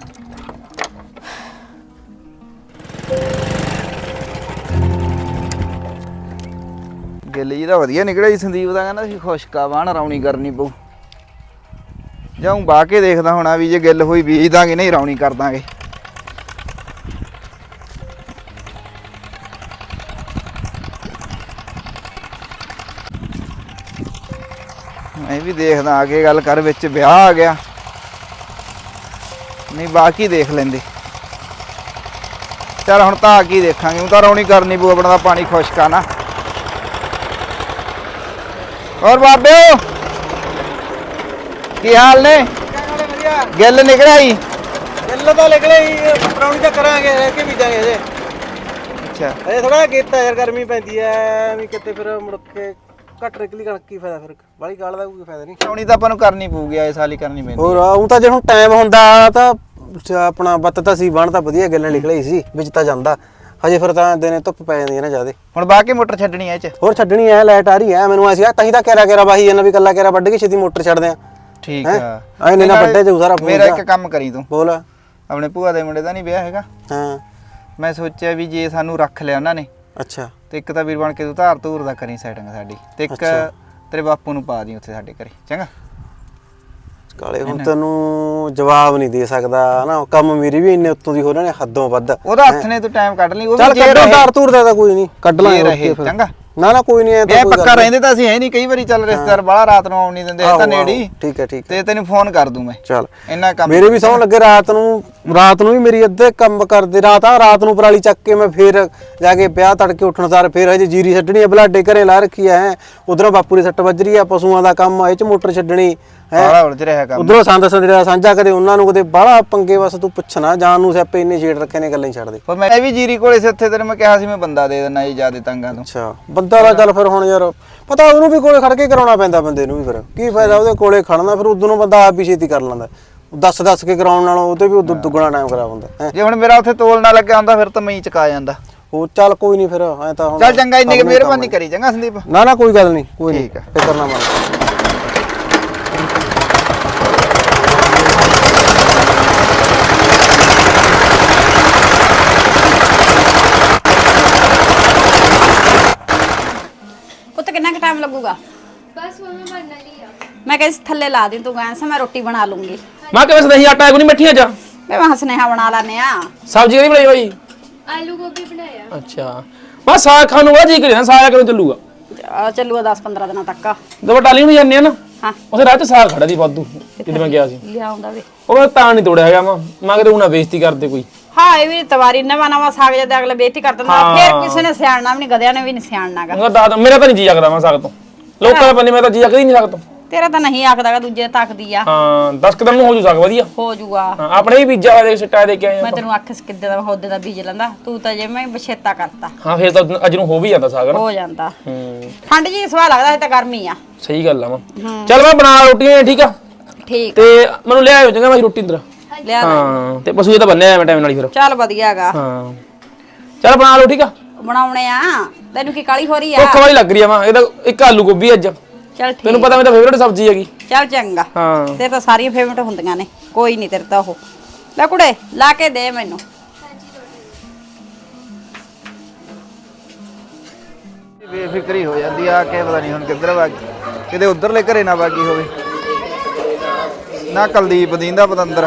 B: ਗਿੱਲ ਜੀ ਦਾ ਵਧੀਆ ਨਿਕਲਿਆ ਜੀ ਸੰਦੀਪ ਦਾ ਕਹਿੰਦਾ ਸੀ ਖੁਸ਼ਕਾ ਬਾਣ ਰੌਣੀ ਕਰਨੀ ਪਊ ਜਾਉਂ ਬਾਹ ਕੇ ਦੇਖਦਾ ਹੋਣਾ ਵੀ ਜੇ ਗਿੱਲ ਹੋਈ ਬੀਜ ਦਾਂਗੇ ਨਹੀਂ ਰੌਣੀ ਕਰ ਦਾਂਗੇ ਮੈਂ ਵੀ ਦੇਖਦਾ ਆ ਕੇ ਗੱਲ ਕਰ ਵਿੱਚ ਵਿਆਹ ਆ ਗਿਆ ਨਹੀਂ ਬਾਕੀ ਦੇਖ ਲੈਂਦੇ ਚਲ ਹੁਣ ਤਾਂ ਆ ਕੀ ਦੇਖਾਂਗੇ ਉਹ ਤਾਂ ਰੌਣੀ ਕਰਨੀ ਪਊ ਆਪਣਾ ਤਾਂ ਪਾਣੀ ਖੁਸ਼ਕਾ ਨਾ और बाबे की हाल ने गिल निकलिया ही
F: ਗਿੱਲ ਤਾਂ ਨਿਕਲੇ ਹੀ ਪਰੌਣੀ ਤਾਂ ਕਰਾਂਗੇ ਰਹਿ ਕੇ ਬੀਜਾਂਗੇ ਅਜੇ
B: अच्छा
F: ਅਜੇ ਥੋੜਾ ਕੀਤਾ ਯਾਰ ਗਰਮੀ ਪੈਂਦੀ ਐ ਵੀ ਕਿਤੇ ਫਿਰ ਮੁੜ ਕੇ ਘੱਟ ਨਿਕਲੀ ਕਣਕ ਕੀ ਫਾਇਦਾ ਫਿਰ ਬਾਲੀ ਕਾਲ ਦਾ ਕੋਈ ਫਾਇਦਾ ਨਹੀਂ
B: ਰੌਣੀ ਤਾਂ ਆਪਾਂ ਨੂੰ ਕਰਨੀ ਪਊਗੀ ਇਸ ਸਾਲ ਹੀ ਕਰਨੀ ਪੈਂਦੀ
F: ਹੋਰ ਉਹ ਤਾਂ ਜੇ ਹੁਣ ਟਾਈਮ ਹੁੰਦਾ ਤਾਂ ਆਪਣਾ ਬੱਤ ਤਾਂ ਸੀ ਬਣ ਤਾਂ ਵਧੀਆ ਗਿੱਲ ਨਿਕਲੇ ਸੀ ਵਿੱਚ ਤਾਂ ਜਾਂਦਾ ਹਜੇ ਫਿਰ ਤਾਂ ਦਿਨੇ ਧੁੱਪ ਪੈ ਜਾਂਦੀ ਹੈ ਨਾ ਜ਼ਿਆਦੇ
B: ਹੁਣ ਬਾਹ ਕੇ ਮੋਟਰ ਛੱਡਣੀ ਐ ਇਹ ਚ
F: ਹੋਰ ਛੱਡਣੀ ਐ ਲਾਈਟ ਆ ਰਹੀ ਐ ਮੈਨੂੰ ਐਸੀ ਆ ਤਾਂ ਹੀ ਤਾਂ ਕੇਰਾ ਕੇਰਾ ਬਾਹੀ ਇਹਨਾਂ ਵੀ ਕੱਲਾ ਕੇਰਾ ਵੱਢ ਕੇ ਛੇਤੀ ਮੋਟਰ ਛੱਡਦੇ ਆ
B: ਠੀਕ ਆ
F: ਐ ਨਾ ਵੱਡੇ ਤੇ ਸਾਰਾ
B: ਮੇਰਾ ਇੱਕ ਕੰਮ ਕਰੀ ਤੂੰ
F: ਬੋਲ
B: ਆਪਣੇ ਭੂਆ ਦੇ ਮੁੰਡੇ ਦਾ ਨਹੀਂ ਵਿਆਹ ਹੈਗਾ
F: ਹਾਂ
B: ਮੈਂ ਸੋਚਿਆ ਵੀ ਜੇ ਸਾਨੂੰ ਰੱਖ ਲਿਆ ਉਹਨਾਂ ਨੇ
F: ਅੱਛਾ
B: ਤੇ ਇੱਕ ਤਾਂ ਵੀਰ ਬਣ ਕੇ ਤੂੰ ਧਾਰ ਧੂਰ ਦਾ ਕਰੀ ਸੈਟਿੰਗ ਸਾਡੀ ਤੇ ਇੱਕ ਤੇਰੇ ਬਾਪੂ ਨੂੰ ਪਾ ਦੀ ਉੱਥੇ ਸਾਡੇ ਘਰੇ ਚੰਗਾ
F: ਕਾਲੇ ਹੁਣ ਤੈਨੂੰ ਜਵਾਬ ਨਹੀਂ ਦੇ ਸਕਦਾ ਹਨਾ ਕੰਮ ਮੇਰੀ ਵੀ ਇੰਨੇ ਉੱਤੋਂ ਦੀ ਹੋ ਰਹੇ ਨੇ ਹੱਦੋਂ ਵੱਧ
B: ਉਹਦਾ ਹੱਥ ਨੇ ਤੂੰ ਟਾਈਮ ਕੱਢ ਲਈ ਉਹ
F: ਚੱਲ
B: ਵੀ ਜੇ
F: ਕੱਢੋ ਧਾਰ ਧੂਰ ਦਾ ਤਾਂ ਕੋਈ ਨਹੀਂ ਕੱਢ ਲਾਂਗੇ
B: ਰਹੇ ਚੰਗਾ
F: ਨਾ ਨਾ ਕੋਈ ਨਹੀਂ ਐ
B: ਇਹ ਪੱਕਾ ਰਹਿੰਦੇ ਤਾਂ ਅਸੀਂ ਹੈ ਨਹੀਂ ਕਈ ਵਾਰੀ ਚੱਲ ਰਿਸ਼ਤੇਦਾਰ ਬਾਹਲਾ ਰਾਤ ਨੂੰ ਆਉਣ ਨਹੀਂ ਦਿੰਦੇ ਇਹ ਤਾਂ ਨੇੜੀ
F: ਠੀਕ ਹੈ ਠੀਕ
B: ਤੇ ਤੈਨੂੰ ਫੋਨ ਕਰ ਦੂੰ ਮੈਂ
F: ਚੱਲ
B: ਇੰਨਾ ਕੰਮ
F: ਮੇਰੇ ਵੀ ਸੌਂ ਲੱਗੇ ਰਾਤ ਨੂੰ ਰਾਤ ਨੂੰ ਵੀ ਮੇਰੀ ਅੱਧੇ ਕੰਮ ਕਰਦੇ ਰਾਤ ਆ ਰਾਤ ਨੂੰ ਪਰਾਲੀ ਚੱਕ ਕੇ ਮੈਂ ਫੇਰ ਜਾ ਕੇ ਵਿਆਹ ਤੜਕੇ ਉੱਠਣ ਸਾਰ ਫੇਰ ਹਜੇ ਜੀਰੀ ਛੱਡਣੀ ਆ ਬਲਾਡੇ ਘਰੇ ਲਾ ਰੱਖੀ ਐ ਉਧਰੋਂ ਬਾਪੂ ਦੀ ਸੱਟ ਵੱਜ ਰਹੀ ਆ ਪਸ਼ੂਆਂ ਦਾ ਕੰਮ ਇਹ ਚ ਮੋਟਰ ਛੱਡਣੀ
B: ਬਾਹਲਾ ਉਲਝ ਰਿਹਾ ਕੰਮ
F: ਉਧਰੋਂ ਸੰਦ ਸੰਦਰਾ ਸਾਂਝਾ ਕਦੇ ਉਹਨਾਂ ਨੂੰ ਕਦੇ ਬਾਹਲਾ ਪੰਗੇ ਬਸ ਤੂੰ ਪੁੱਛਣਾ ਜਾਨ ਨੂੰ ਸਿਆਪੇ ਇੰਨੇ ਛੇੜ ਰੱਖੇ ਨੇ ਗੱਲਾਂ ਹੀ ਛੱਡ ਦੇ
B: ਪਰ ਮੈਂ ਵੀ ਜੀਰੀ ਕੋਲੇ ਸੀ ਉੱਥੇ ਤੈਨੂੰ ਮੈਂ ਕਿਹਾ ਸੀ ਮੈਂ ਬੰਦਾ ਦੇ ਦਿੰਦਾ ਜੀ ਜਿਆਦੇ ਤੰਗਾਂ ਤੋਂ
F: ਅੱਛਾ ਬੰਦਾ ਦਾ ਚੱਲ ਫਿਰ ਹੁਣ ਯਾਰ ਪਤਾ ਉਹਨੂੰ ਵੀ ਕੋਲੇ ਖੜ ਕੇ ਕਰਾਉਣਾ ਪੈਂਦਾ ਬੰਦੇ ਨੂੰ ਵੀ ਫਿਰ ਕੀ ਫਾਇਦਾ ਉਹਦੇ ਕੋਲੇ ਖੜਨਾ ਫਿਰ ਉਦੋਂ ਨੂੰ ਬੰਦਾ ਆਪ ਹੀ ਛੇਤੀ ਕਰ ਲੈਂਦਾ ਦੱਸ ਦੱਸ ਕੇ ਕਰਾਉਣ ਨਾਲੋਂ ਉਹਦੇ ਵੀ ਉਦੋਂ ਦੁੱਗਣਾ ਟਾਈਮ ਕਰਾ ਹੁੰਦਾ
B: ਜੇ ਹੁਣ ਮੇਰਾ ਉੱਥੇ ਤੋਲ ਨਾ ਲੱਗਿਆ ਹੁੰਦਾ ਫਿਰ ਤਾਂ ਮੈਂ ਹੀ ਚਕਾ ਜਾਂਦਾ
F: ਉਹ ਚੱਲ ਕੋਈ ਨਹੀਂ ਫਿਰ ਐ ਤਾਂ ਹੁਣ
B: ਚੱਲ ਚੰਗਾ ਇੰਨੀ ਕਿ ਮਿਹਰਬਾਨੀ ਕਰੀ ਚੰਗਾ ਸੰਦੀਪ
F: ਨਾ ਨਾ ਕੋਈ ਗੱਲ ਨਹੀਂ ਕੋਈ ਨਹੀਂ
B: ਠੀਕ ਆ।
F: ਫਿਕਰ ਨਾ ਮੰਨ
D: ਪੁੱਤ ਕਿੰਨਾ ਕੁ ਟਾਈਮ ਲੱਗੂਗਾ
G: बस मम्मी बनना नहीं है
D: ਮੈਂ ਕਹਿੰਦੀ ਸੀ ਥੱਲੇ ਲਾ ਦੇ ਤੂੰ ਗੈਸ ਮੈਂ ਰੋਟੀ ਬਣਾ ਲੂੰਗੀ
C: ਮੈਂ ਕਿਵੇਂ ਸਦਹੀ ਆਟਾ ਕੋਈ ਨਹੀਂ ਮਿੱਠੀਆਂ ਜਾ
D: ਮੈਂ ਵਾਂ ਸੁਨੇਹਾ ਬਣਾ ਲਾਨੇ ਆ
C: ਸਬਜ਼ੀ ਨਹੀਂ ਬਣਾਈ ਹੋਈ
G: आलू गोभी बनाया
C: ਅੱਛਾ ਬਸ ਸਾਗ ਖਾਣ ਨੂੰ ਬੜਾ ਜੀ ਕਰੇ ਨਾ ਸਾਗ ਕਦੋਂ ਚੱਲੂਗਾ
D: ਆ ਚੱਲੂਗਾ ਦਸ ਪੰਦਰਾਂ ਦਿਨਾਂ ਤੱਕ
C: ਦੋ ਬਟਾਲੀ ਨੂੰ ਜਾਂਦੇ ਆ ਨਾ
D: ਹਾਂ
C: ਉਸੇ ਰਾਹ ਚ ਸਾਗ ਖੜਾ ਦੀ ਵਾਧੂ ਜਿੱਦ ਮੈਂ ਗਿਆ ਸੀ
D: ਲਿਆਉਂਦਾ ਵੇ
C: ਉਹ ਮੈਂ ਤਾਂ ਨਹੀਂ ਤੋੜਿਆ ਹੈਗਾ ਮੈਂ ਮੈਂ ਕਿਤੇ ਉਹਨਾਂ ਬੇਇੱਜ਼ਤੀ ਕਰਦੇ ਕੋਈ
D: ਹਾਂ ਇਹ ਵੀ ਤਵਾਰੀ ਨਵਾਂ ਨਵਾਂ ਸਾਗ ਜਦ ਅਗਲੇ ਬੇਇੱਜ਼ਤੀ ਕਰ ਦਿੰਦਾ
C: ਹਾਂ।
D: ਫਿਰ ਕਿਸੇ ਨੇ ਸਿਆਣਨਾ ਵੀ ਨਹੀਂ ਗਧਿਆਂ ਨੇ ਵੀ ਨਹੀਂ ਸਿਆਣਨਾਗਾ
C: ਉਹ ਦੱਸ ਮੇਰਾ ਤਾਂ ਨਹੀਂ ਜੀ ਆਖਦਾ ਮੈਂ ਸਾਗ ਤੋਂ ਲੋਕਾਂ ਦਾ ਬੰਦੇ ਮੈਂ ਤਾਂ ਜੀ ਆਖਦਾ ਹੀ ਨਹੀਂ ਸਾਗ ਤੋਂ
D: ਤੇਰਾ ਤਾਂ ਨਹੀਂ ਆਖਦਾਗਾ ਦੂਜੇ ਤੱਕਦੀ ਆ
C: ਹਾਂ ਦਸ ਕਦਮ ਨੂੰ ਹੋ ਜੂ ਸਾਗ ਵਧੀਆ
D: ਹੋ ਜੂਗਾ
C: ਹਾਂ ਆਪਣੇ ਵੀ ਬੀਜਾ ਹੋਇਆ ਦੇ ਸਿੱਟਾ ਦੇ ਕੇ ਆਏ
D: ਮੈਂ
C: ਆਪਾਂ।
D: ਤੈਨੂੰ ਆਖਿਸ ਕਿੱਦੇ ਦਾ ਹੋਦੇ ਦਾ ਬੀਜ ਲੈਂਦਾ ਤੂੰ ਤਾਂ ਜਿਵੇਂ ਬਛੇਤਾ ਕਰਤਾ
C: ਹਾਂ ਫਿਰ ਤਾਂ ਅੱਜ ਨੂੰ ਹੋ ਵੀ ਜਾਂਦਾ ਸਾਗ ਨਾ
D: ਹੋ ਜਾਂਦਾ
C: ਹੂੰ
D: ਠੰਡ ਜੀ ਸਵਾਹ ਲੱਗਦਾ ਹੈ ਤਾਂ ਗਰਮੀ ਆ
C: ਸਹੀ ਗੱਲ ਆ ਮਾਂ ਚੱਲ ਮੈਂ ਬਣਾ ਰੋਟੀਆਂ ਠੀਕ ਆ
D: ਠੀਕ
C: ਤੇ ਮੈਨੂੰ ਲਿਆਇਓ ਚੰਗਾ ਮੈਂ ਰੋਟੀ ਅੰਦਰ
D: ਲਿਆ
C: ਹਾਂ ਤੇ ਪਸ਼ੂ ਇਹ ਤਾਂ ਬੰਨਿਆ ਮੈਂ ਟਾਈਮ ਨਾਲ ਹੀ ਫਿਰ
D: ਚੱਲ ਵਧੀਆ ਹੈਗਾ
C: ਹਾਂ ਚੱਲ ਬਣਾ ਲਓ ਠੀਕ ਆ
D: ਬਣਾਉਣੇ ਆ ਤੈਨੂੰ ਕੀ ਕਾਲੀ ਹੋ ਰਹੀ ਆ
C: ਭੁੱਖ ਵਾਲੀ ਲੱਗ ਰਹੀ ਆ ਮਾਂ ਇਹਦਾ ਇੱਕ ਆਲੂ ਗੋਭੀ ਅੱਜ
D: ਚੱਲ ਠੀਕ
C: ਤੈਨੂੰ ਪਤਾ ਮੇਰੀ ਤਾਂ ਫੇਵਰਟ ਸਬਜ਼ੀ ਹੈਗੀ
D: ਚੱਲ ਚੰਗਾ
C: ਹਾਂ
D: ਤੇਰੇ ਤਾਂ ਸਾਰੀਆਂ ਫੇਵਰਟ ਹੁੰਦੀਆਂ ਨੇ ਕੋਈ ਨਹੀਂ ਤੇਰੇ ਤਾਂ ਉਹ ਲੈ ਕੁੜੇ ਲਾ ਕੇ ਦੇ ਮੈਨੂੰ
B: ਬੇਫਿਕਰੀ ਹੋ ਜਾਂਦੀ ਆ ਕੇ ਪਤਾ ਨਹੀਂ ਹੁਣ ਕਿੱਧਰ ਵਾਗੀ ਕਿਤੇ ਉਧਰਲੇ ਘਰੇ ਨਾ ਵਾਗੀ ਹੋਵੇ ਨਾ ਕੁਲਦੀਪ ਦੀਂਦਾ ਪਤੰਦਰ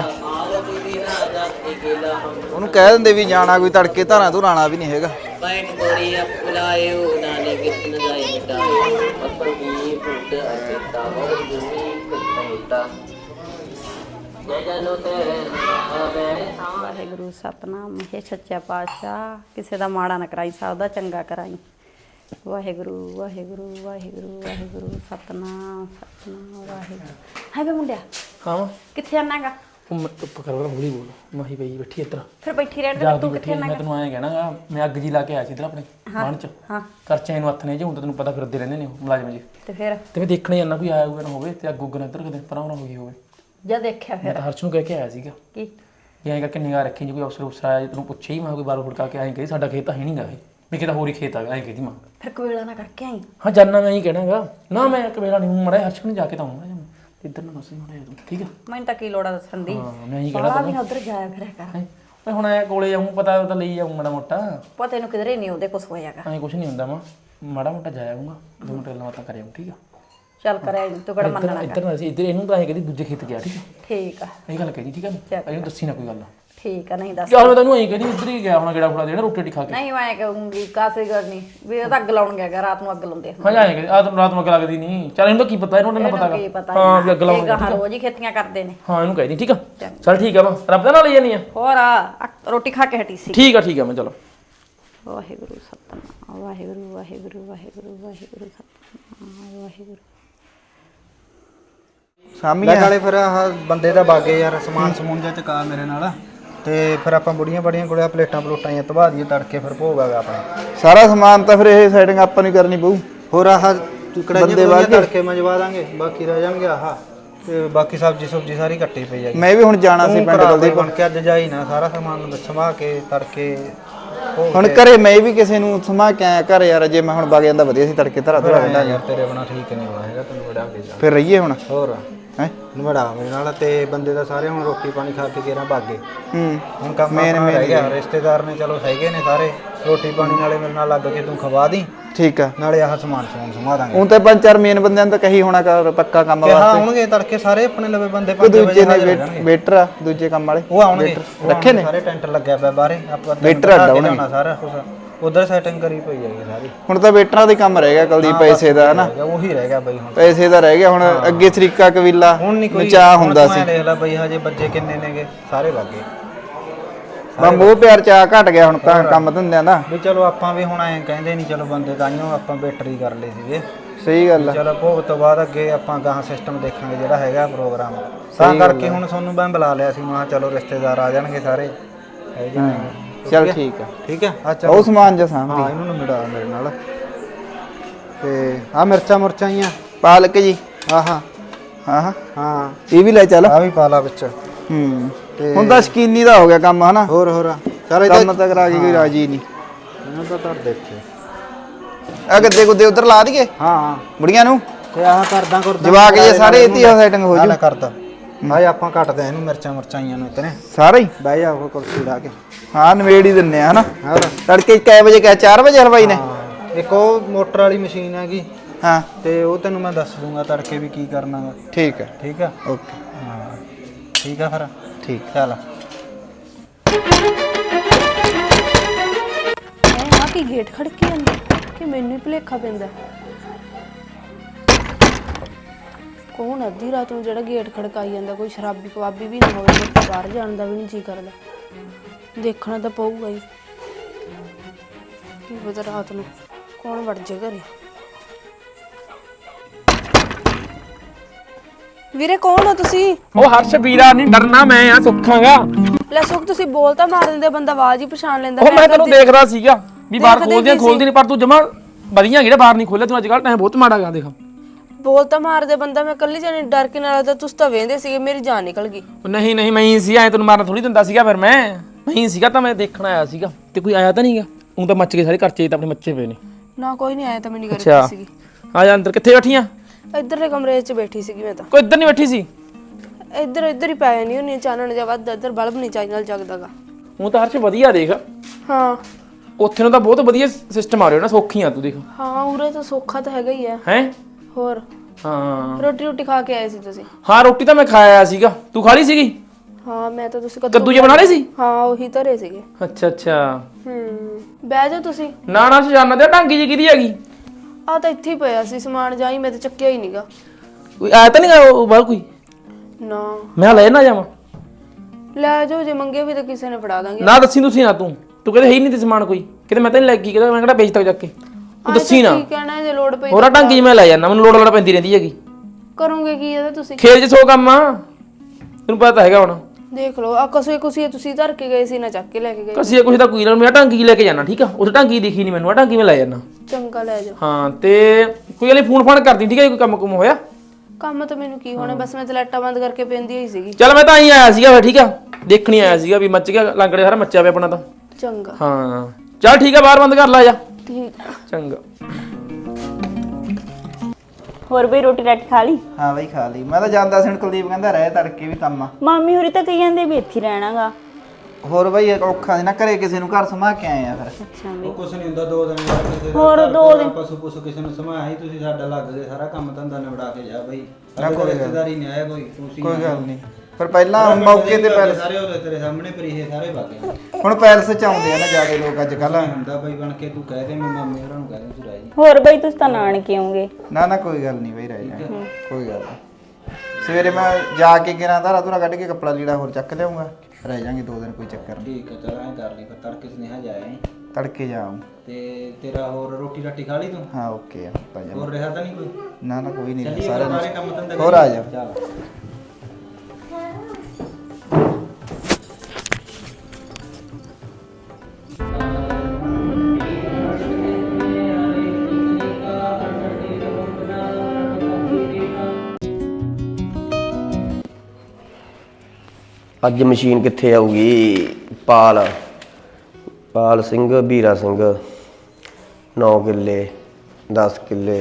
B: ਉਹਨੂੰ ਕਹਿ ਦਿੰਦੇ ਵੀ ਜਾਣਾ ਕੋਈ ਤੜਕੇ ਧਾਰਾਂ ਤੋਂ ਰਾਣਾ ਵੀ ਨਹੀਂ ਹੈਗਾ
H: ਪੈਨ ਕੋਰੀ ਅਪਲਾਇਓ ਨਾਲੇ ਕਿਤਨ ਜਾਏ ਮਿਟਾਏ ਅੱਪਰ ਵੀ ਫੁੱਟ ਅਸੇਤਾ ਬਹੁਤ ਜੁਨੀ ਕੁੱਤਾ ਜੈ ਜਨੋ ਤੇਰੇ ਆਵੇ
D: ਵਾਹਿਗੁਰੂ ਸਤਨਾਮ ਹੈ ਸੱਚਾ ਪਾਤਸ਼ਾਹ ਕਿਸੇ ਦਾ ਮਾੜਾ ਨਾ ਕਰਾਈ ਸਭ ਦਾ ਚੰਗਾ ਕਰਾਈ ਵਾਹਿਗੁਰੂ ਵਾਹਿਗੁਰੂ ਵਾਹਿਗੁਰੂ ਵਾਹਿਗੁਰੂ ਸਤਨਾਮ ਸਤਨਾਮ ਵਾਹਿਗੁਰੂ ਹਾਏ ਬੇ ਮੁੰਡਿਆ
C: ਹਾਂ ਮਾਂ
D: ਕਿੱਥੇ ਆਨਾਗਾ
C: ਉਹ ਮੈਂ ਚੁੱਪ ਕਰ ਬੜਾ ਹੌਲੀ ਬੋਲ ਮਾਹੀ ਪਈ ਬੈਠੀ ਇੱਧਰ
D: ਫਿਰ ਬੈਠੀ ਰਹਿਣ ਦੇ
C: ਜਾਗਦੀ
D: ਤੂੰ
C: ਬੈਠੀ
D: ਕਿੱਥੇ
C: ਆ, ਮੈਂ
D: ਆਨਾਗਾ
C: ਤੈਨੂੰ ਐਂ ਕਹਿਣਾ ਗਾ, ਮੈਂ ਅੱਗ ਜੀ ਲਾ ਕੇ ਆਇਆ ਸੀ ਇੱਧਰ ਆਪਣੇ ਬਾਣ ਚ
D: ਹਾਂ
C: ਕਰਚੇ ਨੂੰ ਹੱਥ ਨੇ ਜੇ ਹੁਣ ਤਾਂ ਤੈਨੂੰ ਪਤਾ ਫਿਰਦੇ ਰਹਿੰਦੇ ਨੇ ਉਹ ਮੁਲਾਜ਼ਮ ਜੀ
D: ਤੇ ਫਿਰ
C: ਤੇ ਮੈਂ ਦੇਖਣੇ ਜਾਂਦਾ ਕੋਈ ਆਇਆ ਹੋਇਆ ਨਾ ਹੋਵੇ ਤੇ ਅੱਗ ਉੱਗ ਨਾ ਇੱਧਰ ਕਿਤੇ ਪਰਾਂ ਨਾ ਹੋ ਗਈ ਹੋਵੇ
D: ਜਦ ਦੇਖਿਆ
C: ਮੈਂ
D: ਫਿਰ
C: ਤਾਂ ਹਰਸ਼ ਨੂੰ ਕਹਿ ਕੇ ਆਇਆ ਸੀਗਾ
D: ਕੀ
C: ਵੀ ਐਂ ਕਰਕੇ ਨਿਗਾਹ ਰੱਖੀ ਜੇ ਕੋਈ ਅਫਸਰ ਉਫਸਰ ਆਇਆ ਜੇ ਤੈਨੂੰ ਪੁੱਛੇ ਹੀ ਮੈਂ ਕੋਈ ਬਾਰ ਫੜਕਾ ਕੇ ਐਂ ਕਹੀ ਸਾਡਾ ਖੇਤ ਤਾਂ ਹੈ ਨਹੀਂਗਾ ਇਹ ਵੀ ਕਿਤਾ ਹੋਰ ਹੀ ਖੇਤ ਆ ਐਂ ਕਹਦੀ ਮਾਂ
D: ਫਿਰ ਕੋਇਲਾ ਨਾ ਕਰਕੇ ਆਈ
C: ਹਾਂ ਜਾਨਣਾ ਮੈਂ ਹੀ ਕਹਿਣਾਗਾ ਨਾ ਮੈਂ ਇੱਕ ਵੇਲਾ ਨਹੀਂ ਮੜਾ ਹਰਸ਼ ਨੂੰ ਜਾ ਕੇ ਤਾਂ ਆਉਂਗਾ ਇੱਧਰ ਨਾ ਦੱਸੀ ਮੜਾ ਤੂੰ ਠੀਕ ਆ
D: ਮੈਨੂੰ ਤਾਂ ਕੀ ਲੋੜ ਆ ਦੱਸਣ ਦੀ
C: ਹਾਂ ਮੈਂ ਹੀ ਕਹਿਣਾ
D: ਸਾਲਾ ਵੀ ਨਾ ਉਧਰ ਜਾਇਆ ਫਿਰ ਕਰ
C: ਹੈਂ। ਓਏ ਹੁਣ ਐ ਕੋਲੇ ਜਾਊਂ ਪਤਾ ਤਾਂ ਲਈ ਜਾਊਂ ਮਾੜਾ ਮੋਟਾ
D: ਪਤਾ ਤੈਨੂੰ ਕਿਧਰੇ ਨਹੀਂ ਉਹਦੇ ਕੁਛ ਹੋਇਆਗਾ
C: ਐਂ ਕੁਛ ਨਹੀਂ ਹੁੰਦਾ ਮਾਂ ਮਾੜਾ ਮੋਟਾ ਜਾ ਆਊਂਗਾ ਦੋ ਮਿੰਟ ਗੱਲਾਂ ਬਾਤਾਂ ਕਰ ਆਊਂ ਠੀਕ ਆ
D: ਚੱਲ ਕਰਿਆ ਤੂੰ ਕਿਹੜਾ ਮੰਨਣਾ
C: ਇੱਧਰ ਨਾ ਸੀ ਇੱਧਰ ਇਹਨੂੰ ਤਾਂ ਐਂ ਕਹਦੀ ਦੂਜੇ ਖੇਤ ਗਿਆ ਠੀਕ ਆ
D: ਠੀਕ ਆ
C: ਇਹ ਗੱਲ ਕਹਦੀ ਠੀਕ ਆ ਇਹਨੂੰ ਦੱਸੀ ਨਾ ਕੋਈ ਗੱਲ
D: ਠੀਕ ਆ ਨਹੀਂ ਦੱਸ
C: ਚੱਲ ਮੈਂ ਤੈਨੂੰ ਐਂ ਕਹਦੀ ਇੱਧਰ ਹੀ ਗਿਆ ਹੁਣ ਗੇੜਾ ਫੜਾ ਦੇਣਾ ਰੋਟੀ ਰੋਟੀ ਖਾ ਕੇ
D: ਨਹੀਂ ਮੈਂ ਕਹੂੰਗੀ ਕਾਸੇ ਕਰਨੀ ਵੀ ਉਹ ਤਾਂ ਅੱਗ ਲਾਉਣ ਗਿਆ ਗਾ, ਰਾਤ ਨੂੰ ਅੱਗ ਲਾਉਂਦੇ
C: ਹਾਂ ਐਂ ਕਹਦੀ ਆ ਤੈਨੂੰ ਰਾਤ ਨੂੰ ਅੱਗ ਲੱਗਦੀ ਨਹੀਂ ਚੱਲ ਇਹਨੂੰ ਤਾਂ ਕੀ ਪਤਾ ਇਹਨੂੰ ਤਾਂ ਪਤਾ
D: ਕੀ ਪਤਾ
C: ਹਾਂ ਵੀ ਅੱਗ
D: ਇਹ
C: ਲਾਉਣ
D: ਗਾਹਾਂ ਰੋਜ਼ ਹੀ ਖੇਤੀਆਂ ਕਰਦੇ ਨੇ
C: ਹਾਂ ਇਹਨੂੰ ਕਹਿਦੀ ਠੀਕ ਆ ਚੱਲ ਠੀਕ ਆ ਮਾਂ ਰੱਬ ਦਾ ਨਾਲ ਹੀ ਜਾਨੀ ਆ
D: ਹੋਰ ਆ ਆ ਰੋਟੀ ਖਾ ਕੇ ਹਟੀ ਸੀ
C: ਠੀਕ ਆ ਠੀਕ ਆ ਮੈਂ ਚਲੋ
D: ਵਾਹਿਗੁਰੂ ਸਤਨਾਮ ਵਾਹਿਗੁਰੂ ਵਾਹਿਗੁਰੂ ਵਾਹਿਗੁਰੂ ਵਾਹਿਗੁਰੂ ਸਤਨਾਮ ਵਾਹਿਗੁਰੂ
B: ਸਾਮੀ
I: ਲੈ ਨਾਲੇ ਫਿਰ ਆਹ ਬੰਦੇ ਦਾ ਬਾਗੇ ਯਾਰ ਸਮਾਨ ਸਮੂਨ ਜਿਹਾ ਚਕਾ ਮੇਰੇ ਨਾਲ ਤੇ ਫਿਰ ਆਪਾਂ ਬੁੜੀਆਂ ਬੜੀਆਂ ਕੋਲੇ ਪਲੇਟਾਂ ਪਲੂਟਾਂ ਜਾਂ ਧਵਾ ਦਈਏ ਤੜਕੇ ਫਿਰ ਭੋਗ ਆਗਾ ਆਪਣਾ
B: ਸਾਰਾ ਸਮਾਨ ਤਾਂ ਫਿਰ ਇਹ ਸੈਟਿੰਗ ਆਪਾਂ ਨੂੰ ਕਰਨੀ ਪਊ
I: ਹੋਰ ਆਹ ਕੜਾਈਆਂ
B: ਬੰਦੇ
I: ਬੰਦੇ
B: ਵਾਗੇ।
I: ਤੜਕੇ ਮਜਵਾ ਦਾਂਗੇ ਬਾਕੀ ਰਹਿ ਜਾਣਗੇ ਆਹ ਤੇ ਬਾਕੀ ਸਬਜ਼ੀ ਸੁਬਜ਼ੀ ਸਾਰੀ ਕੱਟੀ ਪਈ ਹੈਗੀ
B: ਮੈਂ ਵੀ ਹੁਣ ਜਾਣਾ ਸੀ
I: ਤੂੰ
B: ਪਿੰਡ
I: ਭਰਾ
B: ਕੁਲਦੀਪ
I: ਬਣ ਕੇ ਅੱਜ ਜਾਈ ਨਾ ਸਾਰਾ ਸਮਾਨ ਸੰਭਾ ਕੇ ਤੜਕੇ ਭੋਗ
B: ਹੁਣ ਘਰੇ ਮੈਂ ਵੀ ਕਿਸੇ ਨੂੰ ਸਮਾ ਕੇ ਆਇਆ ਘਰ ਯਾਰ ਜੇ ਮੈਂ ਹੁਣ ਵਗ ਜਾਂਦਾ ਵਧੀਆ ਸੀ ਤੜਕੇ ਧਰਾ ਧਰਾ
I: ਆਇਆ ਯਾਰ ਤੇਰੇ ਬਣਾ ਠੀਕ ਨਹੀਂ ਹੋਣਾ ਹੈਗਾ ਤੈਨੂੰ ਵੜਾ ਕੇ ਜਾ
B: ਫਿਰ ਰਹੀਏ ਹੁਣ
I: ਹੋਰ
B: ਹੈ
I: ਨਵੜਾ ਮੇਰੇ ਨਾਲ ਤੇ ਬੰਦੇ ਦਾ ਸਾਰੇ ਹੁਣ ਰੋਟੀ ਪਾਣੀ ਖਾ ਕੇ ਗੇਰਾਂ ਬਾਗੇ
B: ਹੂੰ
I: ਹੁਣ ਕੰਮ
B: ਮੇਨ
I: ਆਪਣਾ ਰਹਿ
B: ਮੇਨ
I: ਗਿਆ ਰਿਸ਼ਤੇਦਾਰ ਨੇ ਚਲੋ ਹੈਗੇ ਨੇ ਸਾਰੇ ਰੋਟੀ ਪਾਣੀ ਨਾਲੇ ਮੇਰੇ ਨਾਲ ਲੱਗ ਕੇ ਤੂੰ ਖਵਾ ਦੀ
B: ਠੀਕ ਆ
I: ਨਾਲੇ ਆਹ ਸਮਾਨ ਸਮੂਨ ਸਮਾ ਦਾਂਗੇ
B: ਹੁਣ ਤਾਂ ਪੰਜ ਚਾਰ ਮੇਨ ਬੰਦਿਆਂ ਨੂੰ ਤਾਂ ਕਹੀ ਹੋਣਾ ਕਰ ਪੱਕਾ ਕੰਮ
I: ਤੇ ਹਾਂ
B: ਵਾਸਤੇ
I: ਆਉਣਗੇ ਤੜਕੇ ਸਾਰੇ ਆਪਣੇ ਲਵੇ ਬੰਦੇ
B: ਕੋਈ
I: ਪੰਜ ਵਜੇ
B: ਦੂਜੇ
I: ਹਾਜ਼ਰ ਹੋ
B: ਨੇ
I: ਜਾਣਗੇ।
B: ਵੇਟਰ ਆ ਦੂਜੇ ਕੰਮ ਵਾਲੇ
I: ਉਹ ਆਉਣਗੇ ਉਹ
B: ਰੱਖੇ ਨੇ?
I: ਆਉਣਗੇ, ਸਾਰੇ ਟੈਂਟ ਲੱਗਿਆ ਪਿਆ ਬਾਹਰੇ ਆਪਾਂ
B: ਵੇਟਰ ਅੱਡਾ ਹੋਣਗੇ।
I: ਸਾਰਾ ਕੁਝ ਉਧਰ ਸੈਟਿੰਗ ਕਰੀ ਪਈ ਹੈਗੀ ਸਾਰੀ
B: ਹੁਣ ਤਾਂ ਵੇਟਰਾਂ ਦਾ ਹੀ ਕੰਮ ਰਹਿ ਗਿਆ ਕੁਲਦੀਪ ਪੈਸੇ ਦਾ ਹਨਾ
I: ਉਹੀ ਰਹਿ ਗਿਆ ਬਈ ਹੁਣ
B: ਪੈਸੇ ਦਾ ਰਹਿ ਗਿਆ ਹੁਣ ਅੱਗੇ ਤਰੀਕਾ ਕਬੀਲਾ
I: ਹੁਣ ਨਹੀਂ ਕੋਈ
B: ਨਚਾ
I: ਹੁਣ
B: ਹੁੰਦਾ
I: ਤੂੰ
B: ਸੀ
I: ਐਂ ਦੇਖ ਲੈ ਬਈ ਹਜੇ ਬੱਚੇ ਕਿੰਨੇ ਨੇਗੇ ਸਾਰੇ ਲੱਗੇ
B: ਬਾ ਮੋਹ ਪਿਆਰ ਚਾ ਘਟ ਗਿਆ ਹੁਣ ਤਾਂ ਕੰਮ ਧੰਦਿਆਂ ਦਾ
I: ਵੀ ਚਲੋ ਆਪਾਂ ਵੀ ਹੁਣ ਐਂ ਕਹਿੰਦੇ ਨਹੀਂ ਚਲੋ ਬੰਦੇ ਤਾਈਓ ਆਪਾਂ ਬੈਟਰੀ ਕਰ ਲਏ ਸੀਗੇ
B: ਸਹੀ ਗੱਲ ਆ
I: ਚਲੋ ਭੋਗ ਤੋਂ ਬਾਅਦ ਅੱਗੇ ਆਪਾਂ ਗਾਹਾਂ ਸਿਸਟਮ ਦੇਖਾਂਗੇ ਜਿਹੜਾ ਹੈਗਾ ਪ੍ਰੋਗਰਾਮ ਤਾਂ ਕਰਕੇ ਹੁਣ ਤੁਹਾਨੂੰ ਮੈਂ ਬੁਲਾ ਲਿਆ ਸੀ ਮੈਂ ਕਿਹਾ ਚਲੋ ਰਿਸ਼ਤੇਦਾਰ ਆ ਜਾਣਗੇ ਸਾਰੇ ਹੈਗੇ ਨੇ।
B: ਚੱਲ ਠੀਕ ਆ
I: ਠੀਕ ਹੈ ਆ ਚਲੋ
B: ਉਹ ਸਮਾਨ ਜਿਹਾ ਸਾਂਭ
I: ਹਾਂ ਇਹਨੂੰ ਮਿਲਾ ਮੇਰੇ ਨਾਲ ਤੇ ਆ ਮਿਰਚਾਂ ਮੁਰਚਾਂ ਹੀ ਆ
B: ਪਾਲਕ ਜੀ
I: ਆਹਾ
B: ਹਾਂ ਹਾਂ
I: ਹਾਂ
B: ਇਹ ਵੀ ਲੈ ਚੱਲ
I: ਆ ਵੀ ਪਾ ਲਾ ਵਿੱਚ
B: ਹੂੰ
I: ਤੇ
B: ਹੁਣ ਤਾਂ ਸ਼ਕੀਨੀ ਦਾ ਹੋ ਗਿਆ ਕੰਮ ਹਨਾ
I: ਹੋਰ ਹੋਰ ਚੱਲ ਇਹਦਾ
B: ਕੰਮ ਤਾਂ ਕਰਾ ਕੇ ਕੋਈ ਰਾਜੀ ਨਹੀਂ
I: ਇਹਨਾਂ ਦਾ ਤਾਂ ਦੇਖੇ
B: ਆ ਗੱਦੇ ਗੁੱਦੇ ਉਧਰ ਲਾ ਦਈਏ
I: ਹਾਂ ਹਾਂ
B: ਬੁੜੀਆਂ ਨੂੰ
I: ਤੇ ਆਹ ਕਰਦਾ ਕਰਦਾ
B: ਜਵਾਕ ਜੇ ਸਾਰੇ ਇੱਥੇ ਸੈਟਿੰਗ ਹੋ
I: ਨਾ
B: ਜੂ
I: ਕਰਦਾ ਆਏ ਆਪਾਂ ਕੱਟਦੇ ਆ ਇਹਨੂੰ ਮਿਰਚਾਂ ਮੁਰਚਾਂ ਆਈਆਂ ਨੂੰ ਇਤਨੇ
B: ਸਾਰਾ ਹੀ
I: ਬਹਿ ਜਾ ਉਹ ਕੁਰਸੀ ਲਾ ਕੇ
B: ਹਾਂ ਨਵੇੜ ਹੀ ਦਿੰਨੇ ਆ ਹਨਾ
I: ਹੋਰ
B: ਤੜਕੇ ਕੈ ਵਜੇ ਕੈ ਚਾਰ ਵਜੇ ਹਲਵਾਈ ਨੇ
I: ਹਾਂ ਇੱਕ ਉਹ ਮੋਟਰ ਵਾਲੀ ਮਸ਼ੀਨ ਹੈਗੀ
B: ਹਾਂ
I: ਤੇ ਉਹ ਤੈਨੂੰ ਮੈਂ ਦੱਸ ਦੂੰਗਾ ਤੜਕੇ ਵੀ ਕੀ ਕਰਨਾ ਗਾ
B: ਠੀਕ ਆ
I: ਠੀਕ ਆ
B: ਓਕੇ
I: ਹਾਂ ਠੀਕ ਆ ਫਿਰ
B: ਠੀਕ
I: ਚੱਲ
A: ਐ ਆ ਕੀ ਗੇਟ ਖੜਕੀ ਜਾਂਦਾ ਕਿ ਮੈਨੂੰ ਹੀ ਭੁਲੇਖਾ ਪੈਂਦਾ ਕੌਣ ਅੱਧੀ ਰਾਤ ਨੂੰ ਜਿਹੜਾ ਗੇਟ ਖੜਕਾਈ ਜਾਂਦਾ ਕੋਈ ਸ਼ਰਾਬੀ ਕਬਾਬੀ ਵੀ ਨਾ ਹੋਵੇ ਮੇਰੇ ਤੋਂ ਬਾਹਰ ਜਾਣ ਦਾ ਵੀ ਨਹੀਂ ਜੀ ਕਰਦਾ ਦੇਖਣਾ ਤਾਂ ਪਊਗਾ ਹੀ। ਕੀ ਪਤਾ ਰਾਤ ਨੂੰ ਕੌਣ ਵੜ ਜੇ ਘਰੇ। ਵੀਰੇ ਕੌਣ ਹੋ ਤੁਸੀਂ?
C: ਉਹ ਹਰਸ਼ ਵੀਰਾ ਨਹੀਂ ਡਰਨਾ, ਮੈਂ ਆ ਸੁੱਖਾਂਗਾ।
A: ਲੈ ਸੁੱਖ ਤੁਸੀਂ ਬੋਲ ਤਾਂ ਮਾਰ ਦਿੰਦੇ, ਬੰਦਾ ਆਵਾਜ਼ ਹੀ ਪਛਾਣ ਲੈਂਦਾ।
C: ਉਹ ਮੈਂ ਤੈਨੂੰ ਦੇਖਦਾ ਸੀਗਾ ਵੀ ਬਾਹਰ
A: ਦੇਖਦੇ
C: ਖੋਲਦੀ
A: ਕੀ
C: ਖੋਲਦੀ ਨਹੀਂ, ਪਰ ਤੂੰ ਜਮਾ ਵਧੀਆ ਜਿਹੜਾ ਬਾਹਰ ਨਹੀਂ ਖੋਲਿਆ ਤੂੰ। ਅੱਜ ਕੱਲ ਟਾਈਮ ਬਹੁਤ ਮਾੜਾ ਗਾ। ਦੇਖ
A: ਬੋਲ ਤਾਂ ਮਾਰਦੇ ਬੰਦਾ, ਮੈਂ ਕੱਲੀ ਜਾਣੀ ਡਰ ਕੇ ਨਾਲ ਤਾਂ ਤੁਸੀਂ ਤਾਂ ਵੇਂਦੇ ਸੀਗੇ, ਮੇਰੀ ਜਾਨ ਨਿਕਲ ਗਈ।
C: ਉਹ ਨਹੀਂ ਨਹੀਂ ਮੈਂ ਹੀ ਸੀ, ਐ ਤੈਨੂੰ ਮਾਰਨਾ ਥੋੜੀ ਦਿੰਦਾ ਸੀਗਾ। ਫਿਰ ਮੈਂ ਮੈਂ ਹੀ ਸੀਗਾ ਤਾਂ ਮੈਂ ਦੇਖਣ ਆਇਆ ਸੀਗਾ ਤੇ ਕੋਈ ਆਇਆ ਤਾਂ ਨਹੀਂਗਾ। ਉਹ ਤਾਂ ਮੱਚ ਗਏ ਸਾਰੇ, ਖਰਚੇ ਤਾਂ ਆਪਣੇ ਮੱਚੇ ਪਏ ਨੇ।
A: ਨਾ ਕੋਈ ਨਹੀਂ ਆਇਆ ਤਾਂ ਮੈਂ ਨਹੀਂ ਕਰੀ
C: ਅੱਛਾ
A: ਸੀਗੀ।
C: ਆ ਜਾ ਅੰਦਰ। ਕਿੱਥੇ ਬੈਠੀ ਆ?
A: ਇੱਧਰਲੇ ਕਮਰੇ 'ਚ ਬੈਠੀ ਸੀਗੀ ਮੈਂ ਤਾਂ।
C: ਕੋਈ ਇੱਧਰ ਨਹੀਂ ਬੈਠੀ ਸੀ?
A: ਇੱਧਰ ਇੱਧਰ ਹੀ ਪੈ ਜਾਂਦੀ ਹੁੰਦੀ, ਚਾਨਣ ਜਾਂ ਵੱਧ ਇੱਧਰ ਬਲਬ ਨਹੀਂ ਚਾਈ ਨਾਲ ਜਗਦਾਗਾ।
C: ਉਹ ਤਾਂ ਹਰਸ਼ ਵਧੀਆ ਦੇਖ,
A: ਹਾਂ
C: ਉੱਥੇ ਨੂੰ ਤਾਂ ਬਹੁਤ ਵਧੀਆ ਸਿਸਟਮ ਆ ਰਿਹਾ ਨਾ, ਸੌਖੀ ਆ ਤੂੰ ਦੇਖ।
A: ਹਾਂ ਉਰੇ ਤਾਂ ਸੌਖਾ ਤਾਂ ਹੈਗਾ ਹੀ ਹੈ।
C: ਹੈ
A: ਹੋਰ
C: ਹਾਂ
A: ਰੋਟੀ ਰੋਟੀ ਖਾ ਕੇ ਆਏ ਸੀ ਤੁਸੀਂ?
C: ਹਾਂ ਰੋਟੀ ਤਾਂ ਮੈਂ ਖਾਇਆ ਸੀਗਾ, ਤੂੰ ਖਾ ਲਈ ਸੀਗੀ?
A: ਹਾਂ ਮੈਂ ਤਾਂ ਤੁਸੀਂ
C: ਕੱਦੂ ਜੇ ਬਣਾ ਲਏ ਸੀ?
A: ਹਾਂ ਉਹੀ ਧਰੇ ਸੀਗੇ।
C: ਅੱਛਾ ਅੱਛਾ।
A: ਹੂੰ ਬਹਿ ਜਾਓ ਤੁਸੀਂ।
C: ਨਾ ਨਾ ਸ਼ਜਾਨਾ ਤੇ ਢਾਂਗੀ ਜੀ ਕਿਹਦੀ ਹੈਗੀ?
A: ਆ ਤਾਂ ਇੱਥੇ ਹੀ ਪਿਆ ਸੀ ਸਮਾਨ, ਜਾਈ ਮੈਂ ਤਾਂ ਚੱਕਿਆ ਹੀ ਨਹੀਂਗਾ।
C: ਕੋਈ ਆਇਆ ਤਾਂ ਨਹੀਂ ਉਹ ਬਾਹਰ ਕੋਈ?
A: ਨਾ
C: ਮੈਂ ਲੈ ਨਾ ਜਾਵਾਂ?
A: ਲੈ ਜਾਓ, ਜੇ ਮੰਗੇ ਵੀ ਤਾਂ ਕਿਸੇ ਨੇ ਫੜਾ ਦਾਂਗੇ।
C: ਨਾ ਦੱਸੀ ਤੁਸੀਂ ਨਾ, ਤੂੰ ਤੂੰ ਕਹਿੰਦੇ ਹੈ ਹੀ ਨਹੀਂ ਤੇ ਸਮਾਨ ਕੋਈ, ਕਿਤੇ ਮੈਂ ਤਾਂ ਨਹੀਂ ਲੈ ਗਈ, ਕਿਤੇ ਮੈਂ ਕਿਹੜਾ ਵੇਚ ਤੱਕ ਜਾ ਕੇ। ਤੂੰ ਦੱਸੀ ਨਾ।
A: ਕੀ ਕਹਿਣਾ, ਜੇ ਲੋੜ ਪਈ
C: ਹੋਰਾ ਢਾਂਗੀ ਮੈਂ ਲੈ ਜਾਣਾ, ਮੈਨੂੰ ਲੋੜ ਲੋੜ ਪੈਂਦੀ ਰਹਿੰਦੀ ਹੈਗੀ।
A: ਕਰੋਗੇ ਕੀ ਇਹਦਾ ਤੁਸੀਂ?
C: ਖੇਤ 'ਚ ਸੌ ਕੰਮ ਆ, ਤੈਨੂੰ ਪਤਾ ਤਾਂ ਹੈਗਾ ਹੁਣ।
A: ਦੇਖ ਲਓ ਆ ਕਸੂਏ ਕੁਸੀ ਤੁਸੀਂ ਧਰ ਕੇ ਗਏ ਸੀ ਨਾ, ਚੱਕ ਕੇ ਲੈ ਕੇ ਗਏ।
C: ਕਸੀਏ ਕੁਛ ਤਾਂ ਕੋਈ ਨਾ, ਮੈਂ ਢਾਂਗੀ ਲੈ ਕੇ ਜਾਣਾ ਠੀਕ ਆ। ਉਸ ਢਾਂਗੀ ਦਿਖੀ ਨਹੀਂ ਮੈਨੂੰ, ਆ ਢਾਂਗੀ ਮੈਂ ਲੈ ਜਾਣਾ।
A: ਚੰਗਾ ਲੈ ਜਾਓ।
C: ਹਾਂ ਤੇ ਕੋਈ ਵਾਲੀ ਫੋਨ ਫਾਨ ਕਰਦੀ ਠੀਕ ਹੈ, ਕੋਈ ਕੰਮ ਕੁਮ ਹੋਇਆ?
A: ਕੰਮ ਤਾਂ ਮੈਨੂੰ ਕੀ ਹੋਣਾ, ਬਸ ਮੈਂ ਤਾਂ ਲਾਈਟਾਂ ਬੰਦ ਕਰਕੇ ਪੈਂਦੀ ਹੋਈ ਸੀਗੀ।
C: ਚੱਲ ਮੈਂ ਤਾਂ ਆਈ ਆਇਆ ਸੀਗਾ ਫਿਰ ਠੀਕ ਆ, ਦੇਖਣੀ ਆਇਆ ਸੀਗਾ ਵੀ ਮੱਚ ਗਿਆ ਲੰਗੜੇ ਸਾਰਾ ਮੱਚਿਆ ਪਿਆ ਆਪਣਾ ਤਾਂ।
A: ਚੰਗਾ
C: ਹਾਂ ਚੱਲ ਠੀਕ ਆ, ਬਾਹਰ ਬੰਦ ਕਰ ਲਾ ਜਾ।
A: ਠੀਕ।
C: ਚੰਗਾ।
J: ਹੋਰ ਬਈ ਰੋਟੀ ਰਾਟੀ ਖਾ ਲਈ?
I: ਹਾਂ ਬਈ ਖਾ ਲਈ। ਮੈਂ ਤਾਂ ਜਾਂਦਾ ਸੀ, ਹੁਣ ਕੁਲਦੀਪ ਕਹਿੰਦਾ ਰਹਿ ਤੜਕੇ ਵੀ ਕੰਮ ਆ।
J: ਮਾਮੀ ਹੋਰੀ ਤਾਂ ਕਹੀ ਜਾਂਦੇ ਵੀ ਇੱਥੇ ਰਹਿਣਾਗਾ।
I: ਹੋਰ ਬਈ ਔਖਾ ਨਾ ਘਰੇ ਕਿਸੇ ਨੂੰ ਘਰ ਸਮਾ ਕੇ ਆਏ ਆ ਫਿਰ।
J: ਅੱਛਾ ਬਈ
I: ਕੁਛ ਨਹੀਂ ਹੁੰਦਾ, ਦੋ ਦਿਨ ਬਾਅਦ ਕਿਸੇ
J: ਹੋਰ ਦੋ ਦਿਨ
I: ਪਸ਼ੂ ਪਸ਼ੂ ਕਿਸੇ ਨੂੰ ਸਮਾਇਆ ਹੀ, ਤੁਸੀਂ ਸਾਡਾ ਲੱਗ ਗਏ ਸਾਰਾ ਕੰਮ ਧੰਦਾ ਨਿਬੜਾ ਕੇ ਜਾ ਬਈ। ਕੋਈ ਰਿਸ਼ਤੇਦਾਰੀ ਨਹੀਂ ਆਇਆ ਕੋਈ, ਤੁਸੀਂ ਕੋਈ ਗੱਲ ਨਹੀਂ। ਪਰ ਪਹਿਲਾਂ ਮੌਕੇ ਤੇ ਪੈਲਸ ਸਾਰੇ ਉਹਦੇ ਤੇਰੇ ਸਾਹਮਣੇ ਪਰੀਹੇ ਸਾਰੇ ਬਾਗੇ। ਹੁਣ ਪੈਲਸ ਚ ਆਉਂਦੇ ਆ ਨਾ ਜਿਆਦੇ ਲੋਕ ਅੱਜ ਕੱਲ। ਹੁੰਦਾ ਬਈ ਬਣ ਕੇ ਤੂੰ ਕਹਿ ਦੇ, ਮੈਂ ਮਾਮੇ ਹੋਰਾਂ ਨੂੰ ਕਹਿ ਦੇ ਤੂੰ ਰਹਿ ਜੀ।
J: ਹੋਰ ਬਈ ਤੁਸੀਂ ਤਾਂ ਨਾਨਕੇ ਆਉਂਗੇ?
I: ਨਾ ਨਾ ਕੋਈ ਗੱਲ ਨਹੀਂ ਬਈ, ਰਹਿ ਜਾ ਕੋਈ ਗੱਲ ਨਹੀਂ। ਸਵੇਰੇ ਮੈਂ ਜਾ ਕੇ ਗਿਰਾਂ ਧਾਰਾ ਧੁਰਾ ਕੱਢ ਕੇ ਕੱਪੜਾ ਲੀੜਾ ਹੋਰ ਚੱਕ ਲਿਆਉਂਗਾ, ਰਹਿ ਜਾਾਂਗੇ ਦੋ ਦਿਨ, ਕੋਈ ਚੱਕਰ ਨਹੀਂ। ਠੀਕ ਹੈ ਚਲ ਐਂ ਕਰ ਲਈ, ਫਿਰ ਤੜਕੇ ਸੁਨੇਹਾ ਜਾਏ। ਤੜਕੇ ਜਾਉਂ। ਤੇ ਤੇਰਾ ਹੋਰ ਰੋਟੀ ਰਾਟੀ ਖਾ ਲਈ ਤੂੰ? ਹਾਂ ਓਕੇ ਆ। ਹੋਰ ਰਿਹਾ ਤਾਂ ਨਹੀਂ ਕੋਈ? ਨਾ ਨਾ ਕੋਈ ਨਹੀਂ, ਸਾਰੇ ਕੰਮ ਧੰਦਾ ਹੋਰ ਆ ਜਾ। ਚੱਲ
F: ਅੱਜ ਮਸ਼ੀਨ ਕਿੱਥੇ ਆਊਗੀ? ਪਾਲ ਪਾਲ ਸਿੰਘ ਵੀਰਾ ਸਿੰਘ ਨੌ ਕਿੱਲੇ ਦਸ ਕਿੱਲੇ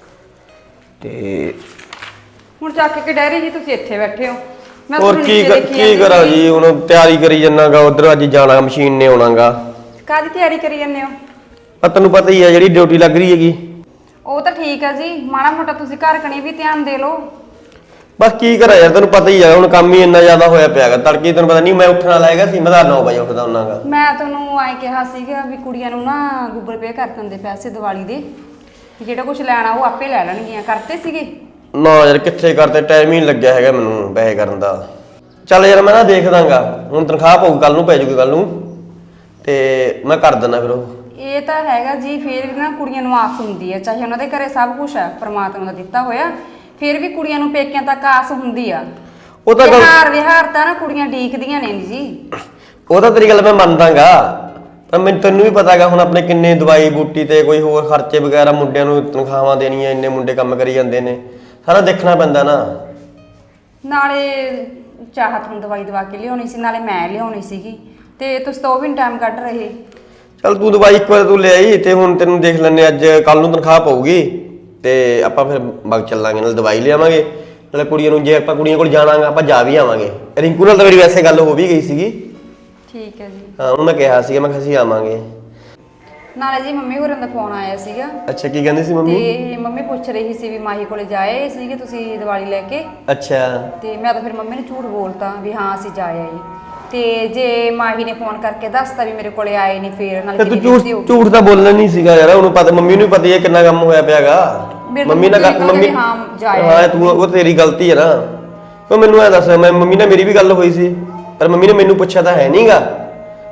F: ਤੇ
K: ਹੁਣ ਚੱਕ ਕੇ ਡੈਰੀ ਜੀ ਤੁਸੀਂ ਇੱਥੇ ਬੈਠੇ ਹੋ। ਮੈਂ
F: ਹੋਰ
K: ਤੁਹਾਨੂੰ
F: ਕੀ
K: ਨੀਚੇ
F: ਕਰ-
K: ਦੇਖੀ
F: ਕੀ
K: ਜਾਂਦੀ
F: ਕਰਾਂ
K: ਸੀ।
F: ਜੀ, ਹੁਣ ਤਿਆਰੀ ਕਰੀ ਜੰਨਾਗਾ, ਉਧਰ ਅੱਜ ਜਾਣਾ ਮਸ਼ੀਨ ਨੇ ਆਉਣਾਗਾ।
K: ਕਾਹਦੀ ਤਿਆਰੀ ਕਰੀ ਜਾਂਦੇ ਹੋ?
F: ਆ ਤੈਨੂੰ ਪਤਾ ਹੀ ਹੈ ਜਿਹੜੀ ਡਿਊਟੀ ਲੱਗ ਰਹੀ ਹੈਗੀ।
K: ਉਹ ਤਾਂ ਠੀਕ ਹੈ ਜੀ, ਮਾੜਾ ਮੋਟਾ ਤੁਸੀਂ ਘਰ ਕਣੀ ਵੀ ਧਿਆਨ ਦੇ ਲਓ।
F: ਬਸ ਕੀ ਕਰਾਂ ਯਾਰ, ਤੈਨੂੰ ਪਤਾ ਹੀ ਹੈ ਹੁਣ ਕੰਮ ਹੀ ਇੰਨਾ ਜ਼ਿਆਦਾ ਹੋਇਆ ਪਿਆਗਾ। ਤੜਕੇ ਤੈਨੂੰ ਪਤਾ ਨਹੀਂ ਮੈਂ ਉੱਠਣ ਵਾਲਾ ਹੈਗਾ ਸੀ, ਮੈਂ ਤਾਂ ਨੌ ਵਜੇ ਉੱਠਦਾ ਹੁੰਨਾਗਾ।
K: ਮੈਂ ਤੁਹਾਨੂੰ ਆਏ ਕਿਹਾ ਸੀਗਾ ਵੀ ਕੁੜੀਆਂ ਨੂੰ ਨਾ ਗੂਗਲ ਪੇ ਕਰ ਦਿੰਦੇ ਪੈਸੇ ਦੀਵਾਲੀ ਦੇ, ਜਿਹੜਾ ਕੁਝ ਲੈਣਾ ਉਹ ਆਪੇ ਲੈ ਲੈਣਗੀਆਂ। ਕਰਤੇ ਸੀਗੇ?
F: ਨਾ ਯਾਰ ਕਿੱਥੇ ਕਰਦੇ, ਟਾਈਮ ਹੀ ਨਹੀਂ ਲੱਗਿਆ ਹੈਗਾ ਮੈਨੂੰ ਪੈਸੇ ਕਰਨ ਦਾ। ਚੱਲ ਯਾਰ ਮੈਂ ਨਾ ਦੇਖ ਦਾਂਗਾ, ਹੁਣ ਤਨਖਾਹ ਪਊ ਕੱਲ ਨੂੰ, ਪੈ ਜੂਗੀ ਕੱਲ ਨੂੰ, ਤੇ ਮੈਂ ਕਰ ਦਿੰਦਾ ਫਿਰ ਉਹ।
K: ਇਹ ਤਾਂ ਹੈਗਾ ਜੀ, ਫਿਰ ਵੀ ਨਾ ਕੁੜੀਆਂ ਨੂੰ ਆਸ ਹੁੰਦੀ ਹੈ, ਚਾਹੇ ਉਹਨਾਂ ਦੇ ਘਰੇ ਸਭ ਕੁਝ ਹੈ ਪ੍ਰਮਾਤਮਾ ਦਾ ਦਿੱਤਾ ਹੋਇਆ, ਫਿਰ ਵੀ ਕੁੜੀਆਂ ਨੂੰ ਪੇਕਿਆਂ ਤੱਕ ਆਸ ਹੁੰਦੀ ਆ।
F: ਉਹ ਤਾਂ ਗੱਲ
K: ਵਿਹਾਰ ਵਿਹਾਰ ਤਾਂ ਨਾ ਕੁੜੀਆਂ ਡੀਕਦੀਆਂ ਨੇ ਜੀ।
F: ਉਹ ਤਾਂ ਤੇਰੀ ਗੱਲ ਮੈਂ ਮੰਨਦਾਗਾ, ਪਰ ਮੈਨੂੰ ਤੈਨੂੰ ਵੀ ਪਤਾਗਾ ਹੁਣ ਆਪਣੇ ਕਿੰਨੇ ਦਵਾਈ ਬੂਟੀ ਤੇ ਕੋਈ ਹੋਰ ਖਰਚੇ ਵਗੈਰਾ, ਮੁੰਡਿਆਂ ਨੂੰ ਤਨਖਾਹਾਂ ਦੇਣੀਆਂ, ਇੰਨੇ ਮੁੰਡੇ ਕੰਮ ਕਰੀ ਜਾਂਦੇ ਨੇ, ਸਾਰਾ ਦੇਖਣਾ ਪੈਂਦਾ ਨਾ।
K: ਨਾਲੇ ਚਾਹਤ ਨੂੰ ਦਵਾਈ ਦਵਾ ਕੇ ਲਿਆਉਣੀ ਸੀ, ਨਾਲੇ ਮੈਂ ਲਿਆਉਣੀ ਸੀਗੀ, ਤੇ ਤੁਸੀਂ ਤਾਂ ਉਹ ਵੀ ਟਾਈਮ ਕੱਢ ਰਹੇ।
F: ਚੱਲ ਤੂੰ ਦਵਾਈ ਇੱਕ ਵਾਰ ਤੂੰ ਲੈ ਆਈ, ਤੇ ਹੁਣ ਤੈਨੂੰ ਦੇਖ ਲੈਣੇ, ਅੱਜ ਕੱਲ ਨੂੰ ਤਨਖਾਹ ਪਊਗੀ ਤੇ ਆਪਾਂ ਫਿਰ ਬਗ ਚੱਲਾਂਗੇ, ਨਾਲ ਦਵਾਈ ਲਿਆਵਾਂਗੇ, ਨਾਲੇ ਕੁੜੀਆਂ ਨੂੰ ਜੇ ਆਪਾਂ ਕੁੜੀਆਂ ਕੋਲ ਜਾਣਾਗਾ ਆਪਾਂ ਜਾ ਵੀ ਆਵਾਂਗੇ। ਰਿੰਕੂ ਨਾਲ ਤਾਂ ਮੇਰੀ ਵੈਸੇ ਗੱਲ ਹੋ ਵੀ ਗਈ ਸੀਗੀ।
K: ਠੀਕ ਹੈ ਜੀ।
F: ਹਾਂ ਉਹਨੂੰ ਮੈਂ ਕਿਹਾ ਸੀਗਾ, ਮੈਂ ਕਿਹਾ ਅਸੀਂ ਆਵਾਂਗੇ।
K: ਨਾਲੇ ਜੀ ਮੰਮੀ ਹੋਰਾਂ ਦਾ ਫੋਨ ਆਇਆ ਸੀਗਾ।
F: ਅੱਛਾ ਕੀ ਕਹਿੰਦੀ ਸੀ ਮੰਮੀ?
K: ਤੇ ਮੰਮੀ ਪੁੱਛ ਰਹੀ ਸੀ ਵੀ ਮਾਹੀ ਕੋਲੇ ਜਾਏ ਸੀਗੇ ਤੁਸੀਂ ਦੀਵਾਲੀ ਲੈ ਕੇ।
F: ਅੱਛਾ।
K: ਤੇ ਮੈਂ ਤਾਂ ਫਿਰ ਮੰਮੀ ਨੂੰ ਝੂਠ ਬੋਲਤਾ ਵੀ ਹਾਂ ਅਸੀਂ ਜਾ ਆਏ। ਤੇ ਜੇ ਮਾਹੀ ਨੇ ਫੋਨ ਕਰਕੇ ਦੱਸਤਾ ਵੀ ਮੇਰੇ ਕੋਲੇ ਆਏ ਨਹੀਂ, ਫੇਰ ਨਾਲ
F: ਤੇ ਤੂੰ ਝੂਠ ਝੂਠ ਤਾਂ ਬੋਲਣਾ ਨਹੀਂ ਸੀਗਾ ਯਾਰ, ਉਹਨੂੰ ਪਤਾ, ਮੰਮੀ ਨੂੰ ਪਤਾ ਹੀ ਹੈ ਕਿੰਨਾ ਕੰਮ ਹੋਇਆ ਪਿਆਗਾ। ਮੰਮੀ ਨਾਲ ਮੰਮੀ ਹਾਂ ਤੂੰ ਉਹ ਤੇਰੀ ਗਲਤੀ ਹੈ ਨਾ। ਉਹ ਮੈਨੂੰ ਐ ਦੱਸ, ਮੈਂ ਮੰਮੀ ਨਾਲ ਮੇਰੀ ਵੀ ਗੱਲ ਹੋਈ ਸੀ, ਪਰ ਮੰਮੀ ਨੇ ਮੈਨੂੰ ਪੁੱਛਿਆ ਤਾਂ ਹੈ ਨਹੀਂਗਾ,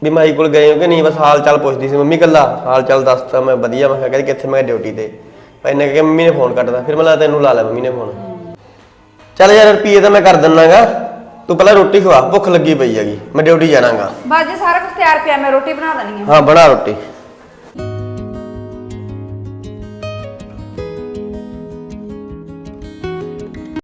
F: ਵੀ ਮਾਈ ਕੋਲ ਗਏ ਹੋ ਕਿ ਨਹੀਂ, ਬਸ ਹਾਲ ਚਾਲ ਪੁੱਛਦੀ ਸੀ ਮੰਮੀ ਕੱਲਾ ਹਾਲ ਚਾਲ ਦੱਸਤਾ ਮੈਂ ਵਧੀਆ। ਮੈਂ ਕਿਹਾ ਕਹਿੰਦੀ ਕਿੱਥੇ, ਮੈਂ ਡਿਊਟੀ ਤੇ। ਇਹਨੇ ਕਿਹਾ ਮੰਮੀ ਨੇ ਫੋਨ ਕੱਟਦਾ, ਫਿਰ ਮੈਂ ਲਾ ਤੈਨੂੰ ਲਾ ਲਿਆ ਮੰਮੀ ਨੇ ਫੋਨ। ਚੱਲ ਯਾਰ ਰੁਪਈਏ ਤਾਂ ਮੈਂ ਕਰ ਦਿੰਨਾਗਾ, ਤੂੰ ਪਹਿਲਾਂ ਰੋਟੀ ਖਵਾ, ਭੁੱਖ ਲੱਗੀ ਪਈ ਹੈਗੀ, ਮੈਂ ਡਿਊਟੀ ਜਾਣਾਗਾ।
K: ਬਸ ਜੀ ਸਾਰਾ ਕੁਝ ਤਿਆਰ ਪਿਆ, ਮੈਂ ਰੋਟੀ ਬਣਾ ਦੇਣੀ ਆ।
F: ਹਾਂ ਬਣਾ ਰੋਟੀ।